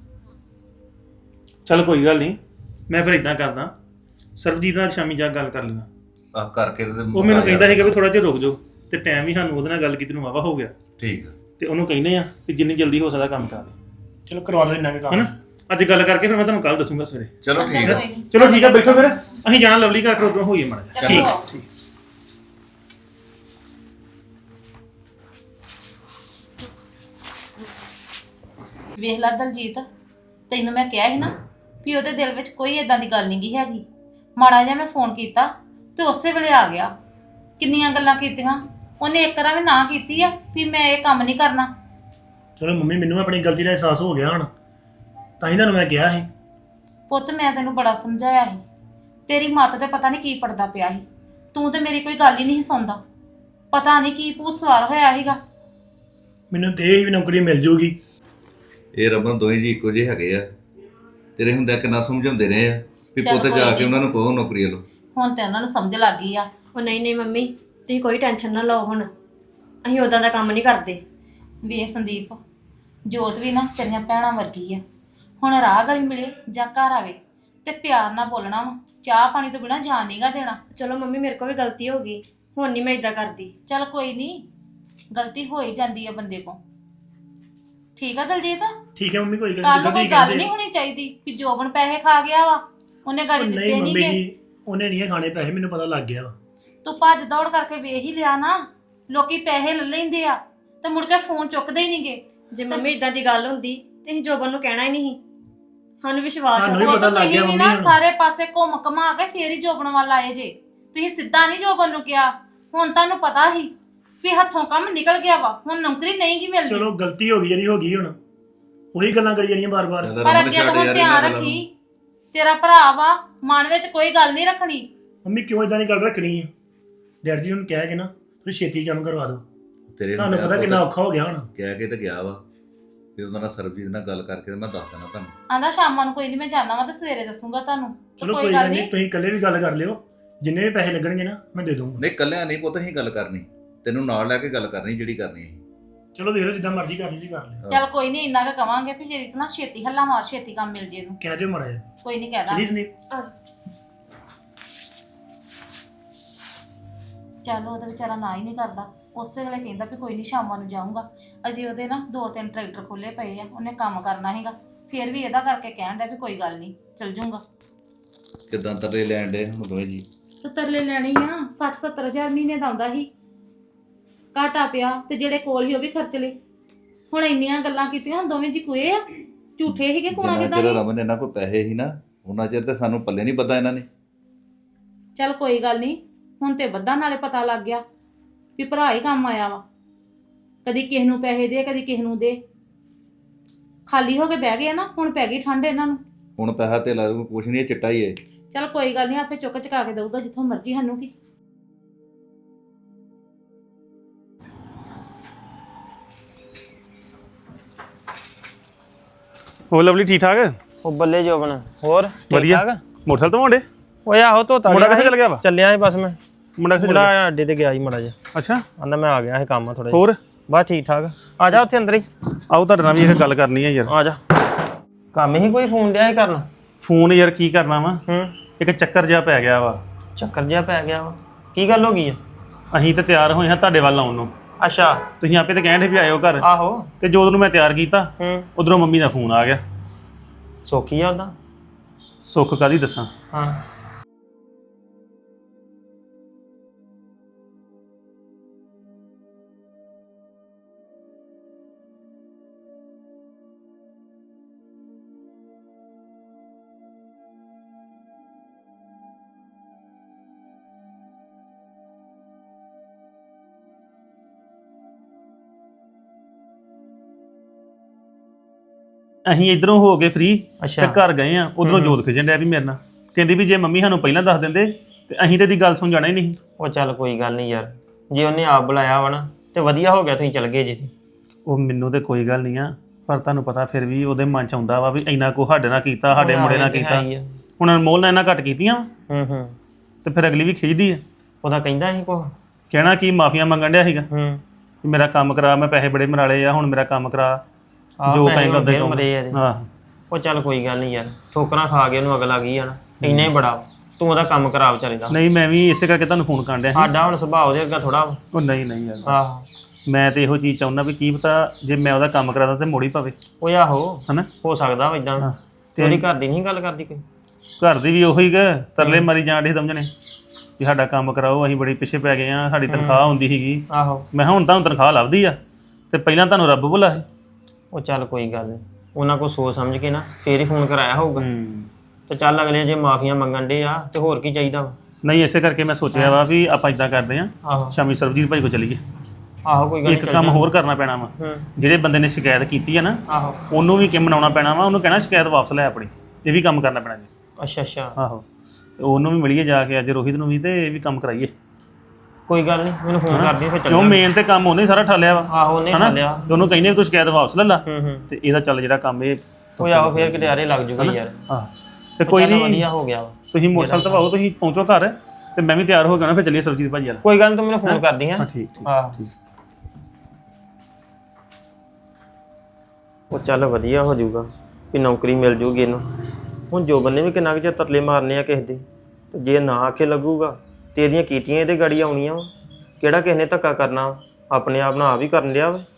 [SPEAKER 5] ਚੱਲ ਕੋਈ ਗੱਲ ਨਹੀਂ, ਮੈਂ ਫਿਰ ਇਦਾਂ ਕਰਦਾ, ਸਰਬਜੀਤ ਨਾਲ ਸ਼ਾਮੀ ਜਾ ਕੇ ਗੱਲ ਕਰ ਲੈਣਾ।
[SPEAKER 6] ਆਹ ਕਰਕੇ ਤੇ
[SPEAKER 5] ਉਹ ਮੈਨੂੰ ਕਹਿੰਦਾ ਸੀਗਾ ਵੀ ਥੋੜਾ ਜਿਹਾ ਰੁਕ ਜਾਓ, ਤੇ ਟਾਈਮ ਵੀ ਸਾਨੂੰ ਉਹਦੇ ਨਾਲ ਗੱਲ ਕੀਤੀ ਨੂੰ ਵਾਵਾ ਹੋ ਗਿਆ,
[SPEAKER 6] ਠੀਕ ਆ।
[SPEAKER 5] ਤੇ ਉਹਨੂੰ ਕਹਿੰਦੇ ਆ ਕਿ ਜਿੰਨੀ ਜਲਦੀ ਹੋ ਸਕਦਾ ਕੰਮ ਕਰਾ ਦੇ,
[SPEAKER 2] ਚਲੋ ਕਰਵਾ ਦੋ ਇੰਨਾ ਕੁ ਕੰਮ।
[SPEAKER 5] ਹਨਾ। ਅੱਜ ਗੱਲ ਕਰਕੇ ਫਿਰ ਮੈਂ ਤੁਹਾਨੂੰ ਕੱਲ ਦੱਸੂਗਾ ਸਵੇਰੇ।
[SPEAKER 6] ਚਲੋ ਠੀਕ ਆ।
[SPEAKER 3] ਕੋਈ ਨੀ।
[SPEAKER 5] ਚਲੋ ਠੀਕ ਆ, ਬੈਠੋ ਫਿਰ, ਅਸੀਂ ਜਾਣਾ ਲਵਲੀ ਘਰ, ਫਿਰ ਉਧਰੋਂ ਹੋਈਏ ਮਾੜਾ ਜਿਹਾ।
[SPEAKER 3] ਚਲੋ।
[SPEAKER 5] ਠੀਕ।
[SPEAKER 3] ਵੇਖ ਲੈ ਦਲਜੀਤ, ਤੈਨੂੰ ਮੈਂ ਕਿਹਾ ਸੀ ਨਾ ਵੀ ਉਹਦੇ ਦਿਲ ਵਿੱਚ ਕੋਈ ਏਦਾਂ ਦੀ ਗੱਲ ਨਹੀਂ ਗੀ ਹੈਗੀ। ਮਾੜਾ ਜਿਹਾ ਮੈਂ ਫੋਨ ਕੀਤਾ ਤੇ ਉਸੇ ਵੇਲੇ ਆ ਗਿਆ। ਕਿੰਨੀਆਂ ਗੱਲਾਂ ਕੀਤੀਆਂ ਉਹਨੇ, ਇੱਕ ਵਾਰ ਵੀ ਨਾ ਕੀਤੀ ਆ ਵੀ ਮੈਂ ਇਹ ਕੰਮ ਨਹੀਂ ਕਰਨਾ।
[SPEAKER 2] ਚਲੋ ਮੰਮੀ, ਮੈਨੂੰ ਆਪਣੀ ਗਲਤੀ ਦਾ ਅਹਿਸਾਸ ਹੋ ਗਿਆ ਹੁਣ, ਤਾਂ ਹੀ ਤੁਹਾਨੂੰ ਮੈਂ ਕਿਹਾ ਸੀ।
[SPEAKER 3] ਪੁੱਤ ਮੈਂ ਤੈਨੂੰ ਬੜਾ ਸਮਝਾਇਆ ਸੀ, ਤੇਰੀ ਮੱਤ ਤੇ ਪਤਾ ਨਹੀਂ ਕੀ ਪੜਦਾ ਪਿਆ ਸੀ। ਤੂੰ ਤੇ ਮੇਰੀ ਕੋਈ ਗੱਲ ਹੀ ਨਹੀਂ ਸੁਣਦਾ, ਪਤਾ ਨਹੀਂ ਕੀ ਭੂਤ ਸਵਾਰ ਹੋਇਆ ਸੀਗਾ।
[SPEAKER 2] ਮੈਨੂੰ ਤੇ ਇਹ ਵੀ ਨੌਕਰੀ ਮਿਲ ਜੂਗੀ।
[SPEAKER 6] ਇਹ ਰਮਨ ਦੋਵੇਂ ਜੀ ਇੱਕੋ ਜਿਹੇ ਹੈਗੇ ਆ, ਤੇਰੇ ਹੁੰਦਿਆਂ ਕਿੰਨਾ ਸਮਝਾਉਂਦੇ ਰਹੇ ਆ ਵੀ
[SPEAKER 3] ਚੱਲ
[SPEAKER 6] ਪੁੱਤ
[SPEAKER 3] ਕੋਈ
[SPEAKER 6] ਜਾ ਕੇ
[SPEAKER 3] ਨੀ।
[SPEAKER 6] ਉਹਨਾਂ ਨੂੰ ਕਹੋ ਨੌਕਰੀ ਵੱਲੋਂ।
[SPEAKER 3] ਹੁਣ ਤੇ ਉਹਨਾਂ ਨੂੰ ਸਮਝ ਲੱਗ ਗਈ ਆ।
[SPEAKER 1] ਉਹ ਨਹੀਂ ਮੰਮੀ, ਤੁਸੀਂ ਕੋਈ ਟੈਨਸ਼ਨ ਨਾ ਲਓ, ਹੁਣ ਅਸੀਂ ਉਦਾਂ ਦਾ ਕੰਮ ਨਹੀਂ ਕਰਦੇ।
[SPEAKER 3] ਵੇਖ ਸੰਦੀਪ, ਜੋਤ ਵੀ ਨਾ ਤੇਰੀਆਂ ਭੈਣਾਂ ਵਰਗੀ ਆ। ਹੁਣ ਰਾਹ ਗਲੀ ਮਿਲੇ ਜਾਂ ਘਰ ਆਵੇ ਤੇ ਪਿਆਰ ਨਾਲ ਬੋਲਣਾ ਵਾ, ਚਾਹ ਪਾਣੀ ਤੋਂ ਬਿਨਾ ਜਾਨ ਨਹੀਂਗਾ ਦੇਣਾ।
[SPEAKER 1] ਚਲੋ ਮੰਮੀ, ਮੇਰੇ ਕੋਲ ਵੀ ਗਲਤੀ ਹੋ ਗਈ, ਹੁਣ ਨਹੀਂ ਮੈਂ ਇਦਾਂ ਕਰਦੀ।
[SPEAKER 3] ਚੱਲ ਕੋਈ ਨਹੀਂ, ਗਲਤੀ ਹੋ ਹੀ ਜਾਂਦੀ ਆ ਬੰਦੇ ਕੋਲ। ਠੀਕ ਆ ਦਲਜੀਤ,
[SPEAKER 2] ਠੀਕ ਹੈ ਮੰਮੀ, ਕੋਈ ਗੱਲ
[SPEAKER 3] ਕੱਲ ਨੂੰ ਕੋਈ
[SPEAKER 2] ਤੁਸੀਂ
[SPEAKER 3] ਗੱਲ
[SPEAKER 2] ਕਹਿੰਦੇ।
[SPEAKER 3] ਨਹੀਂ ਹੋਣੀ ਚਾਹੀਦੀ ਕਿ ਜੋਬਨ ਪੈਸੇ ਖਾ ਗਿਆ ਵਾ, ਉਹਨੇ ਗਾੜੀ
[SPEAKER 2] ਨਹੀਂ
[SPEAKER 3] ਦਿੱਤੇ
[SPEAKER 2] ਮੰਮੀ
[SPEAKER 3] ਨਹੀਂਗੇ।
[SPEAKER 2] ਜੀ, ਉਹਨੇ ਨਹੀਂ ਖਾਣੇ ਪੈਸੇ, ਮੈਨੂੰ ਪਤਾ ਲੱਗ ਗਿਆ ਵਾ।
[SPEAKER 3] ਤੂੰ ਭੱਜ ਦੌੜ ਕਰਕੇ ਵੇਖ ਹੀ ਲਿਆ ਨਾ, ਲੋਕੀ ਪੈਸੇ ਲੈ ਲੈਂਦੇ ਆ ਤੇ ਮੁੜ ਕੇ ਫੋਨ ਚੁੱਕਦੇ ਹੀ ਨਹੀਂਗੇ।
[SPEAKER 1] ਜੇ ਮੰਮੀ ਇਦਾਂ ਦੀ ਗੱਲ ਹੁੰਦੀ ਤੇ ਅਸੀਂ ਜੋਬਨ ਨੂੰ ਕਹਿਣਾ ਹੀ ਨਹੀਂ ਸੀ। ਸਾਨੂੰ ਵਿਸ਼ਵਾਸ
[SPEAKER 2] ਸਾਨੂੰ
[SPEAKER 1] ਆ।
[SPEAKER 2] ਵੀ
[SPEAKER 3] ਉਹ
[SPEAKER 2] ਪਤਾ
[SPEAKER 3] ਤਾਂ
[SPEAKER 2] ਲੱਗ ਗਿਆ
[SPEAKER 3] ਤੁਸੀਂ ਵੀ
[SPEAKER 2] ਮੰਮੀ
[SPEAKER 3] ਨਾ
[SPEAKER 2] ਹੁਣ।
[SPEAKER 3] ਸਾਰੇ ਪਾਸੇ ਘੁੰਮ ਘਮਾ ਕੇ ਫੇਰ ਹੀ ਜੋਬਨ ਵੱਲ ਆਏ ਜੇ। ਤੁਸੀਂ ਸਿੱਧਾ ਨਹੀਂ ਜੋਬਨ ਨੂੰ ਕਿਹਾ। ਹੁਣ ਤੁਹਾਨੂੰ ਪਤਾ ਹੀ ਵੀ ਹੱਥੋਂ ਕੰਮ ਨਿਕਲ ਗਿਆ ਵਾ, ਹੁਣ ਨੌਕਰੀ ਨਹੀਂ ਗੀ ਮਿਲਦੀ।
[SPEAKER 2] ਚਲੋ ਗਲਤੀ ਹੋ ਗਈ ਜਿਹੜੀ ਹੋ ਗਈ, ਹੁਣ ਉਹੀ ਗੱਲਾਂ ਕਰੀ ਜਾਣੀਆਂ ਬਾਰ-ਬਾਰ।
[SPEAKER 6] ਚੱਲ
[SPEAKER 3] ਪਰ
[SPEAKER 6] ਰਮਨ
[SPEAKER 3] ਅੱਗੇ
[SPEAKER 6] ਛੱਡ
[SPEAKER 3] ਤੋਂ
[SPEAKER 6] ਯਾਰ
[SPEAKER 3] ਧਿਆਨ
[SPEAKER 6] ਇਹਨਾਂ ਗੱਲਾਂ
[SPEAKER 3] ਰੱਖੀ,
[SPEAKER 6] ਨੂੰ।
[SPEAKER 3] ਤੇਰਾ ਭਰਾ ਵਾ, ਮਨ ਵਿੱਚ ਕੋਈ ਗੱਲ ਨਹੀਂ ਰੱਖਣੀ।
[SPEAKER 2] ਮੰਮੀ ਕਿਉਂ ਇਦਾਂ ਦੀ ਗੱਲ ਰੱਖਣੀ ਹੈ? ਡੈਡੀ ਜੀ ਨੂੰ ਕਹਿ ਕੇ ਨਾ ਤੁਸੀਂ ਛੇਤੀ ਕੰਮ ਕਰਵਾ ਦਿਓ।
[SPEAKER 6] ਤੇਰੇ
[SPEAKER 2] ਤੁਹਾਨੂੰ
[SPEAKER 6] ਹੁੰਦਿਆਂ
[SPEAKER 2] ਪਤਾ ਕਿੰਨਾ
[SPEAKER 6] ਪੁੱਤ
[SPEAKER 2] ਔਖਾ ਹੋ ਗਿਆ ਹੁਣ।
[SPEAKER 6] ਕਹਿ ਕੇ ਤੇ ਗਿਆ ਵਾ ਵੀ ਉਹਨਾਂ ਨਾਲ ਸਰਬਜੀਤ ਨਾਲ ਗੱਲ ਕਰਕੇ ਤੇ ਮੈਂ ਦੱਸ ਦੇਣਾ ਤੁਹਾਨੂੰ।
[SPEAKER 3] ਆਂਦਾ ਸ਼ਾਮਾਂ ਨੂੰ ਕੋਈ ਨਹੀਂ, ਮੈਂ ਜਾਣਾ ਵਾ ਤੇ ਸਵੇਰੇ ਦੱਸੂਗਾ ਤੁਹਾਨੂੰ। ਤੇ
[SPEAKER 2] ਚਲੋ
[SPEAKER 3] ਕੋਈ
[SPEAKER 2] ਕੋਈ
[SPEAKER 3] ਗੱਲ
[SPEAKER 2] ਗੱਲ ਨਹੀਂ,
[SPEAKER 3] ਨਹੀਂ,
[SPEAKER 2] ਤੁਸੀਂ ਇਕੱਲੇ ਵੀ ਗੱਲ ਕਰ ਲਿਓ, ਜਿੰਨੇ ਵੀ ਪੈਸੇ ਲੱਗਣਗੇ ਨਾ ਮੈਂ ਦੇ ਦੂੰਗਾ।
[SPEAKER 6] ਨਹੀਂ ਕੱਲਿਆਂ ਨਹੀਂ ਪੁੱਤ ਅਸੀਂ ਗੱਲ ਕਰਨੀ, ਤੈਨੂੰ ਨਾਲ ਲੈ ਕੇ ਗੱਲ ਕਰਨੀ ਜਿਹੜੀ ਕਰਨੀ ਹੈ।
[SPEAKER 2] ਚਲੋ ਵੇਖ ਲਓ, ਜਿੱਦਾਂ ਮਰਜ਼ੀ ਕਰਨੀ ਜੀ ਕਰ ਲਿਓ।
[SPEAKER 3] ਚੱਲ ਕੋਈ ਨਹੀਂ, ਇੰਨਾ ਕੁ ਕਵਾਂਗੇ ਵੀ ਜਿਹੜੀ ਨਾ ਛੇਤੀ ਹੱਲਾ ਮਾਰ, ਛੇਤੀ ਕੰਮ ਮਿਲ ਜੇ ਇਹਨੂੰ।
[SPEAKER 2] ਕਹਿ ਦਿਓ ਮਾੜਾ ਜਿਹਾ।
[SPEAKER 3] ਕੋਈ ਨਹੀਂ ਕਹਿਦਾ।
[SPEAKER 2] ਚਲੀ ਸੰਦੀਪ,
[SPEAKER 1] ਆ
[SPEAKER 3] ਚੱਲ ਉਹਦਾ ਵਿਚਾਰਾ ਨਾ ਹੀ ਨਹੀਂ ਕਰਦਾ, ਉਸੇ ਵੇਲੇ ਕਹਿੰਦਾ ਵੀ ਕੋਈ ਨਹੀਂ ਸ਼ਾਮਾਂ ਨੂੰ ਜਾਊਂਗਾ। ਅਜੇ ਉਹਦੇ ਨਾ 2-3 ਟਰੈਕਟਰ ਖੋਲੇ ਪਏ ਆ, ਉਹਨੇ ਕੰਮ ਕਰਨਾ ਹੈਗਾ। ਫਿਰ ਵੀ ਇਹਦਾ ਕਰਕੇ ਕਹਿਣ ਡਿਆ ਵੀ ਕੋਈ ਗੱਲ ਨਹੀਂ, ਚਲ ਜੂੰਗਾ।
[SPEAKER 6] ਕਿੱਦਾਂ ਤਰਲੇ ਲੈਣ ਡੇ ਹੁਣ ਦੋਵੇਂ ਜੀ?
[SPEAKER 3] ਤੇ ਤਰਲੇ ਲੈਣੀ ਆ, 60-70 ਹਜ਼ਾਰ ਮਹੀਨੇ ਦਾ ਆਉਂਦਾ ਸੀ, ਘਾਟਾ ਪਿਆ ਤੇ ਜਿਹੜੇ ਕੋਲ ਸੀ ਉਹ ਵੀ ਖਰਚ ਲਏ। ਹੁਣ ਇੰਨੀਆਂ ਗੱਲਾਂ ਕੀਤੀਆਂ, ਦੋਵੇਂ ਜੀ ਕੋਏ ਆ, ਝੂਠੇ ਸੀਗੇ, ਕੋਣਾ
[SPEAKER 6] ਜਿੰਨਾ
[SPEAKER 3] ਕਿੱਦਾਂ
[SPEAKER 6] ਚਿਰ
[SPEAKER 3] ਸੀ।
[SPEAKER 6] ਰਮਨ ਇਹਨਾਂ ਕੋਲ ਪੈਸੇ ਸੀ ਨਾ, ਉਹਨਾਂ ਚਿਰ ਤੇ ਸਾਨੂੰ ਪੱਲੇ ਨਹੀਂ ਪਤਾ ਇਹਨਾਂ ਨੇ।
[SPEAKER 3] ਚੱਲ ਕੋਈ ਗੱਲ ਨਹੀਂ, ਹੁਣ ਤੇ ਬੱਦਾਂ ਨਾਲੇ ਪਤਾ ਲੱਗ ਗਿਆ ਵੀ ਭਰਾ ਹੀ ਕੰਮ ਆਇਆ ਵਾ। ਕਦੀ ਕਿਸੇ ਨੂੰ ਪੈਸੇ ਦੇ, ਕਦੀ ਕਿਸੇ ਨੂੰ ਦੇ, ਖਾਲੀ ਹੋ ਕੇ ਬਹਿ ਗਏ ਨਾ, ਹੁਣ ਪੈ ਗਈ ਠੰਡ ਇਹਨਾਂ ਨੂੰ।
[SPEAKER 6] ਹੁਣ ਪੈਸਾ ਤੇ ਲਾ ਕੁਛ ਨਹੀਂ, ਚਿੱਟਾ ਹੀ ਹੈ।
[SPEAKER 3] ਚੱਲ ਕੋਈ ਗੱਲ ਨਹੀਂ, ਆਪੇ ਚੁੱਕ ਚੁਕਾ ਕੇ ਦਊਗਾ ਜਿੱਥੋਂ ਮਰਜ਼ੀ ਸਾਨੂੰ ਕੀ।
[SPEAKER 5] ਹੋਰ ਲਵਲੀ ਠੀਕ ਠਾਕ
[SPEAKER 7] ਉਹ ਬੱਲੇ ਜੋਬਨ ਹੋਰ ਠੀਕ
[SPEAKER 5] ਵਧੀਆ
[SPEAKER 7] ਠਾਕ
[SPEAKER 5] ਮੋਟਰਸਾਈਕਲ ਤੋਂ ਆਉਂਦੇ
[SPEAKER 7] ਓਏ ਆਹੋ ਧੋਤਾ
[SPEAKER 5] ਮੁੰਡਾ
[SPEAKER 7] ਗਿਆ
[SPEAKER 5] ਕਿੱਥੇ
[SPEAKER 7] ਸੀ।
[SPEAKER 5] ਚਲ ਗਿਆ ਵਾ
[SPEAKER 7] ਚੱਲਿਆ ਸੀ ਬਸ ਮੈਂ
[SPEAKER 5] ਮੁੰਡਾ ਕਿੱਥੇ ਚਲ
[SPEAKER 7] ਮੁੰਡਾ
[SPEAKER 5] ਗਿਆ
[SPEAKER 7] ਅੱਡੇ ਤੇ ਗਿਆ ਸੀ ਮੜਾ ਜਿਹਾ
[SPEAKER 5] ਅੱਛਾ
[SPEAKER 7] ਆਂਦਾ ਮੈਂ ਆ ਗਿਆ ਸੀ ਕੰਮ ਥੋੜਾ ਜਿਹਾ
[SPEAKER 5] ਹੋਰ
[SPEAKER 7] ਬਸ ਠੀਕ ਠਾਕ ਆ ਜਾ ਉੱਥੇ ਅੰਦਰ ਹੀ
[SPEAKER 5] ਆਓ ਤੁਹਾਡੇ ਨਾਲ ਵੀ ਇੱਕ ਗੱਲ ਕਰਨੀ ਹੈ ਯਾਰ
[SPEAKER 7] ਆ ਜਾ ਕੰਮ ਹੀ ਕੋਈ ਫੋਨ ਡਿਆ ਸੀ ਕਰਨ
[SPEAKER 5] ਫੋਨ ਯਾਰ ਕੀ ਕਰਨਾ ਵਾ
[SPEAKER 7] ਹੂੰ
[SPEAKER 5] ਇੱਕ ਚੱਕਰ ਜਿਹਾ ਪੈ ਗਿਆ ਵਾ
[SPEAKER 7] ਚੱਕਰ ਜਿਹਾ ਪੈ ਗਿਆ ਵਾ ਕੀ ਗੱਲ ਹੋ ਗਈ ਆ
[SPEAKER 5] ਅਸੀਂ ਤਾਂ ਤਿਆਰ ਹੋਏ ਹਾਂ ਤੁਹਾਡੇ ਵੱਲ ਆਉਣ ਨੂੰ
[SPEAKER 7] ਅੱਛਾ
[SPEAKER 5] ਤੁਸੀਂ ਆਪੇ ਤਾਂ ਕਹਿੰਦੇ ਵੀ ਆਇਓ ਘਰ
[SPEAKER 7] ਆਹੋ
[SPEAKER 5] ਤੇ ਜਦੋਂ ਨੂੰ ਮੈਂ ਤਿਆਰ ਕੀਤਾ
[SPEAKER 7] ਹੂੰ
[SPEAKER 5] ਉਧਰੋਂ ਮੰਮੀ ਦਾ ਫੋਨ ਆ ਗਿਆ
[SPEAKER 7] ਸੌਖੀ ਆ ਉਹਦਾ
[SPEAKER 5] ਸੁੱਖ ਕਾਦੀ ਦੱਸਾਂ
[SPEAKER 7] ਹਾਂ
[SPEAKER 5] ਅਸੀਂ ਇਧਰੋਂ ਹੋ ਕੇ ਫ੍ਰੀ ਤੇ
[SPEAKER 7] ਅੱਛਾ
[SPEAKER 5] ਘਰ ਗਏ ਆ ਉਧਰੋਂ ਜੋਤ ਖਿਜਣ ਡਿਆ ਵੀ ਮੇਰੇ ਨਾਲ ਕਹਿੰਦੀ ਵੀ ਜੇ ਮੰਮੀ ਸਾਨੂੰ ਪਹਿਲਾਂ ਦੱਸ ਦਿੰਦੇ ਤੇ ਅਸੀਂ ਤੇ ਦੀ ਗੱਲ ਸੁਣ ਜਾਣਾ ਹੀ ਨਹੀਂ
[SPEAKER 7] ਉਹ ਚੱਲ ਕੋਈ ਗੱਲ ਨਹੀਂ ਯਾਰ ਜੇ ਉਹਨੇ ਆਪ ਬੁਲਾਇਆ ਵਾ ਨਾ ਤੇ ਵਧੀਆ ਹੋ ਗਿਆ ਤੁਸੀਂ ਚੱਲ ਗਏ ਜੀ
[SPEAKER 5] ਉਹ ਮੈਨੂੰ ਤੇ ਕੋਈ ਗੱਲ ਨਹੀਂ ਆ ਪਰ ਤੁਹਾਨੂੰ ਪਤਾ ਫਿਰ ਵੀ ਉਹਦੇ ਮਨ ਚ ਆਉਂਦਾ ਵਾ ਵੀ ਇੰਨਾ ਕੋ ਸਾਡੇ ਨਾਲ ਕੀਤਾ ਸਾਡੇ ਮੁੰਡੇ ਨਾਲ ਕੀਤਾ ਹੁਣ ਅਨਮੋਲ ਨਾਲ ਇਹਨਾਂ ਘੱਟ ਕੀਤੀਆਂ
[SPEAKER 7] ਹੂੰ
[SPEAKER 5] ਤੇ ਫਿਰ ਅਗਲੀ ਵੀ ਖਿੱਚਦੀ ਆ
[SPEAKER 7] ਉਹਦਾ ਕਹਿੰਦਾ ਸੀ ਕੁਛ
[SPEAKER 5] ਕਹਿਣਾ ਕੀ ਮਾਫੀਆਂ ਮੰਗਣ ਡਿਆ ਸੀਗਾ
[SPEAKER 7] ਹੂੰ
[SPEAKER 5] ਵੀ ਮੇਰਾ ਕੰਮ ਕਰਾ ਮੈਂ ਪੈਸੇ ਬੜੇ ਮਰਾਲੇ ਆ ਹੁਣ ਮੇਰਾ ਕੰਮ ਕਰਾ
[SPEAKER 7] ਆਹ
[SPEAKER 5] ਜੋ
[SPEAKER 7] ਪੈਸੇ
[SPEAKER 5] ਕਹੇਗਾ ਉਦਾਂ ਹੀ
[SPEAKER 7] ਹੁਣ ਮਰੇ ਆ ਇਹਦੇ।
[SPEAKER 5] ਆਹ
[SPEAKER 7] ਉਹ ਚੱਲ ਕੋਈ ਗੱਲ ਨਹੀਂ ਯਾਰ ਠੋਕਰਾਂ ਖਾ ਕੇ ਉਹਨੂੰ ਅਗਲ ਆ ਗਈ ਆ ਨਾ ਇੰਨਾ ਹੀ ਬੜਾ ਵਾ। ਤੂੰ ਉਹਦਾ ਕੰਮ ਕਰਾ ਵਿਚਾਰੇ
[SPEAKER 5] ਨਹੀਂ ਮੈਂ ਵੀ ਇਸੇ ਕਰਕੇ ਤੁਹਾਨੂੰ ਫੋਨ ਕਰਨ ਡਿਆ ਸੀ
[SPEAKER 7] ਸਾਡਾ ਹੁਣ ਸੁਭਾਅ ਉਹਦੇ ਅੱਗਾ ਥੋੜਾ
[SPEAKER 5] ਉਹ ਨਹੀਂ ਨਹੀਂ ਯਾਰ
[SPEAKER 7] ਆਹੋ
[SPEAKER 5] ਮੈਂ ਤੇ ਇਹੋ ਚੀਜ਼ ਚਾਹੁੰਦਾ ਵੀ ਕੀ ਪਤਾ ਜੇ ਮੈਂ ਉਹਦਾ ਕੰਮ ਕਰਾਦਾ ਤੇ ਮੋੜੀ ਪਵੇ
[SPEAKER 7] ਉਹ ਆਹੋ
[SPEAKER 5] ਹਨਾ
[SPEAKER 7] ਹੋ ਸਕਦਾ ਵਾ ਇਦਾਂ ਤੇ ਉਹਦੀ ਘਰ ਦੀ ਨਹੀਂ ਗੱਲ ਕਰਦੀ ਕੋਈ
[SPEAKER 5] ਘਰ ਦੀ ਵੀ ਉਹੀ ਗ ਤਰਲੇ ਮਾਰੀ ਜਾਣ ਡੇ ਸਮਝਣੇ ਵੀ ਸਾਡਾ ਕੰਮ ਕਰਾਓ ਅਸੀਂ ਬੜੀ ਪਿੱਛੇ ਪੈ ਗਏ ਆ ਸਾਡੀ ਤਨਖਾਹ ਹੁੰਦੀ ਸੀਗੀ
[SPEAKER 7] ਆਹੋ
[SPEAKER 5] ਮੈਂ ਕਿਹਾ ਹੁਣ ਤੁਹਾਨੂੰ ਤਨਖਾਹ ਲੱਭਦੀ ਆ ਤੇ ਪਹਿਲਾਂ ਤੁਹਾਨੂੰ ਰੱਬ ਬੁਲਾਏ
[SPEAKER 7] ਉਹ ਚੱਲ ਕੋਈ ਗੱਲ ਨਹੀਂ ਉਹਨਾਂ ਕੋਲ ਸੋਚ ਸਮਝ ਕੇ ਨਾ ਫੇਰ ਹੀ ਫੋਨ ਕਰਾਇਆ ਹੋਊਗਾ ਤੇ ਚੱਲ ਅਗਲੇ ਜੇ ਮਾਫੀਆਂ ਮੰਗਣ ਡੇ ਆ ਤੇ ਹੋਰ ਕੀ ਚਾਹੀਦਾ ਵਾ
[SPEAKER 5] ਨਹੀਂ ਇਸੇ ਕਰਕੇ ਮੈਂ ਸੋਚਿਆ ਵਾ ਵੀ ਆਪਾਂ ਇਦਾਂ ਕਰਦੇ ਆ
[SPEAKER 7] ਆਹੋ
[SPEAKER 5] ਸ਼ਾਮੀ ਸਰਬਜੀਤ ਭਾਈ ਕੋ ਚਲੀਏ
[SPEAKER 7] ਆਹੋ ਕੋਈ ਗੱਲ
[SPEAKER 5] ਇੱਕ ਕੰਮ ਹੋਰ ਕਰਨਾ ਪੈਣਾ ਵਾ
[SPEAKER 7] ਹੂੰ
[SPEAKER 5] ਜਿਹੜੇ ਬੰਦੇ ਨੇ ਸ਼ਿਕਾਇਤ ਕੀਤੀ ਆ ਨਾ
[SPEAKER 7] ਆਹੋ
[SPEAKER 5] ਉਹਨੂੰ ਵੀ ਕਿ ਮਨਾਉਣਾ ਪੈਣਾ ਵਾ ਉਹਨੂੰ ਕਹਿਣਾ ਸ਼ਿਕਾਇਤ ਵਾਪਸ ਲੈ ਆਪਣੀ ਇਹ ਵੀ ਕੰਮ ਕਰਨਾ ਪੈਣਾ ਜੀ
[SPEAKER 7] ਅੱਛਾ ਅੱਛਾ
[SPEAKER 5] ਆਹੋ ਤੇ ਉਹਨੂੰ ਵੀ ਮਿਲੀਏ ਜਾ ਕੇ ਅੱਜ ਰੋਹਿਤ ਨੂੰ ਵੀ ਤੇ ਇਹ ਵੀ ਕੰਮ ਕਰਾਈਏ
[SPEAKER 7] ਕੋਈ ਗੱਲ ਨਹੀਂ ਮੈਨੂੰ ਫੋਨ ਕਰਦੀ ਫਿਰ
[SPEAKER 5] ਕਿਉਂ
[SPEAKER 7] ਚੱਲਾਂਗੇ
[SPEAKER 5] ਮੇਨ ਤੇ ਕੰਮ ਉਹਨੇ ਸਾਰਾ ਠਾਲਿਆ ਵਾ
[SPEAKER 7] ਆਹੋ ਉਹਨੇ
[SPEAKER 5] ਹਨਾ?
[SPEAKER 7] ਲਿਆ
[SPEAKER 5] ਤੇ ਉਹਨੂੰ ਕਹਿੰਦੇ ਵੀ ਤੂੰ ਸ਼ਿਕਾਇਤ ਵਾਪਸ ਲੈ ਲਾ
[SPEAKER 7] ਹੂੰ
[SPEAKER 5] ਤੇ ਇਹਦਾ ਚੱਲ ਜਿਹੜਾ ਕੰਮ ਇਹ
[SPEAKER 7] ਉਹ ਆਹੋ ਫੇਰ ਕਿਡਾਰੇ ਲੱਗ ਜੂਗਾ ਯਾਰ
[SPEAKER 5] ਆਹ ਤੇ ਕੋਈ
[SPEAKER 7] ਚੱਲ
[SPEAKER 5] ਨਹੀਂ
[SPEAKER 7] ਵਧੀਆ ਹੋ ਗਿਆ ਵਾ
[SPEAKER 5] ਤੁਸੀਂ ਮੋਟਰਸਾਈਕਲ ਤੇ ਪਾਓ ਤੁਸੀਂ ਪਹੁੰਚੋ ਘਰ ਤੇ ਮੈਂ ਵੀ ਤਿਆਰ ਹੋ ਗਿਆ ਨਾ ਫਿਰ ਚੱਲੀਏ ਸਰਬਜੀਤ ਭਾਜੀ ਵਾਲਾ
[SPEAKER 7] ਕੋਈ ਗੱਲ ਨੀ ਤੂੰ ਮੈਨੂੰ ਫੋਨ ਕਰਦੀ ਹਾਂ
[SPEAKER 5] ਹਾਂ ਠੀਕ ਠੀਕ
[SPEAKER 7] ਆਹ ਉਹ ਚੱਲ ਵਧੀਆ ਹੋ ਜਾਊਗਾ ਕਿ ਨੌਕਰੀ ਮਿਲ ਜੂਗੀ ਇਹਨੂੰ ਹੁਣ ਜੋਬਨ ਨੇ ਵੀ ਕਿੰਨਾ ਕੁ ਚਿਰ ਤਰਲੇ ਮਾਰਨੇ ਆ ਕਿਸੇ ਦੇ ਤੇ ਜੇ ਨਾ ਆਖੇ ਲੱਗੂਗਾ ਤੇ ਇਹਦੀਆਂ ਕੀਤੀਆਂ ਇਹਦੇ ਗਾੜੀ ਆਉਣੀਆਂ ਵਾ ਕਿਹੜਾ ਕਿਸੇ ਨੇ ਧੱਕਾ ਕਰਨਾ ਵਾ? ਆਪਣੇ ਆਪ ਨਾਲ ਆ ਵੀ ਕਰਨ ਲਿਆ ਵਾ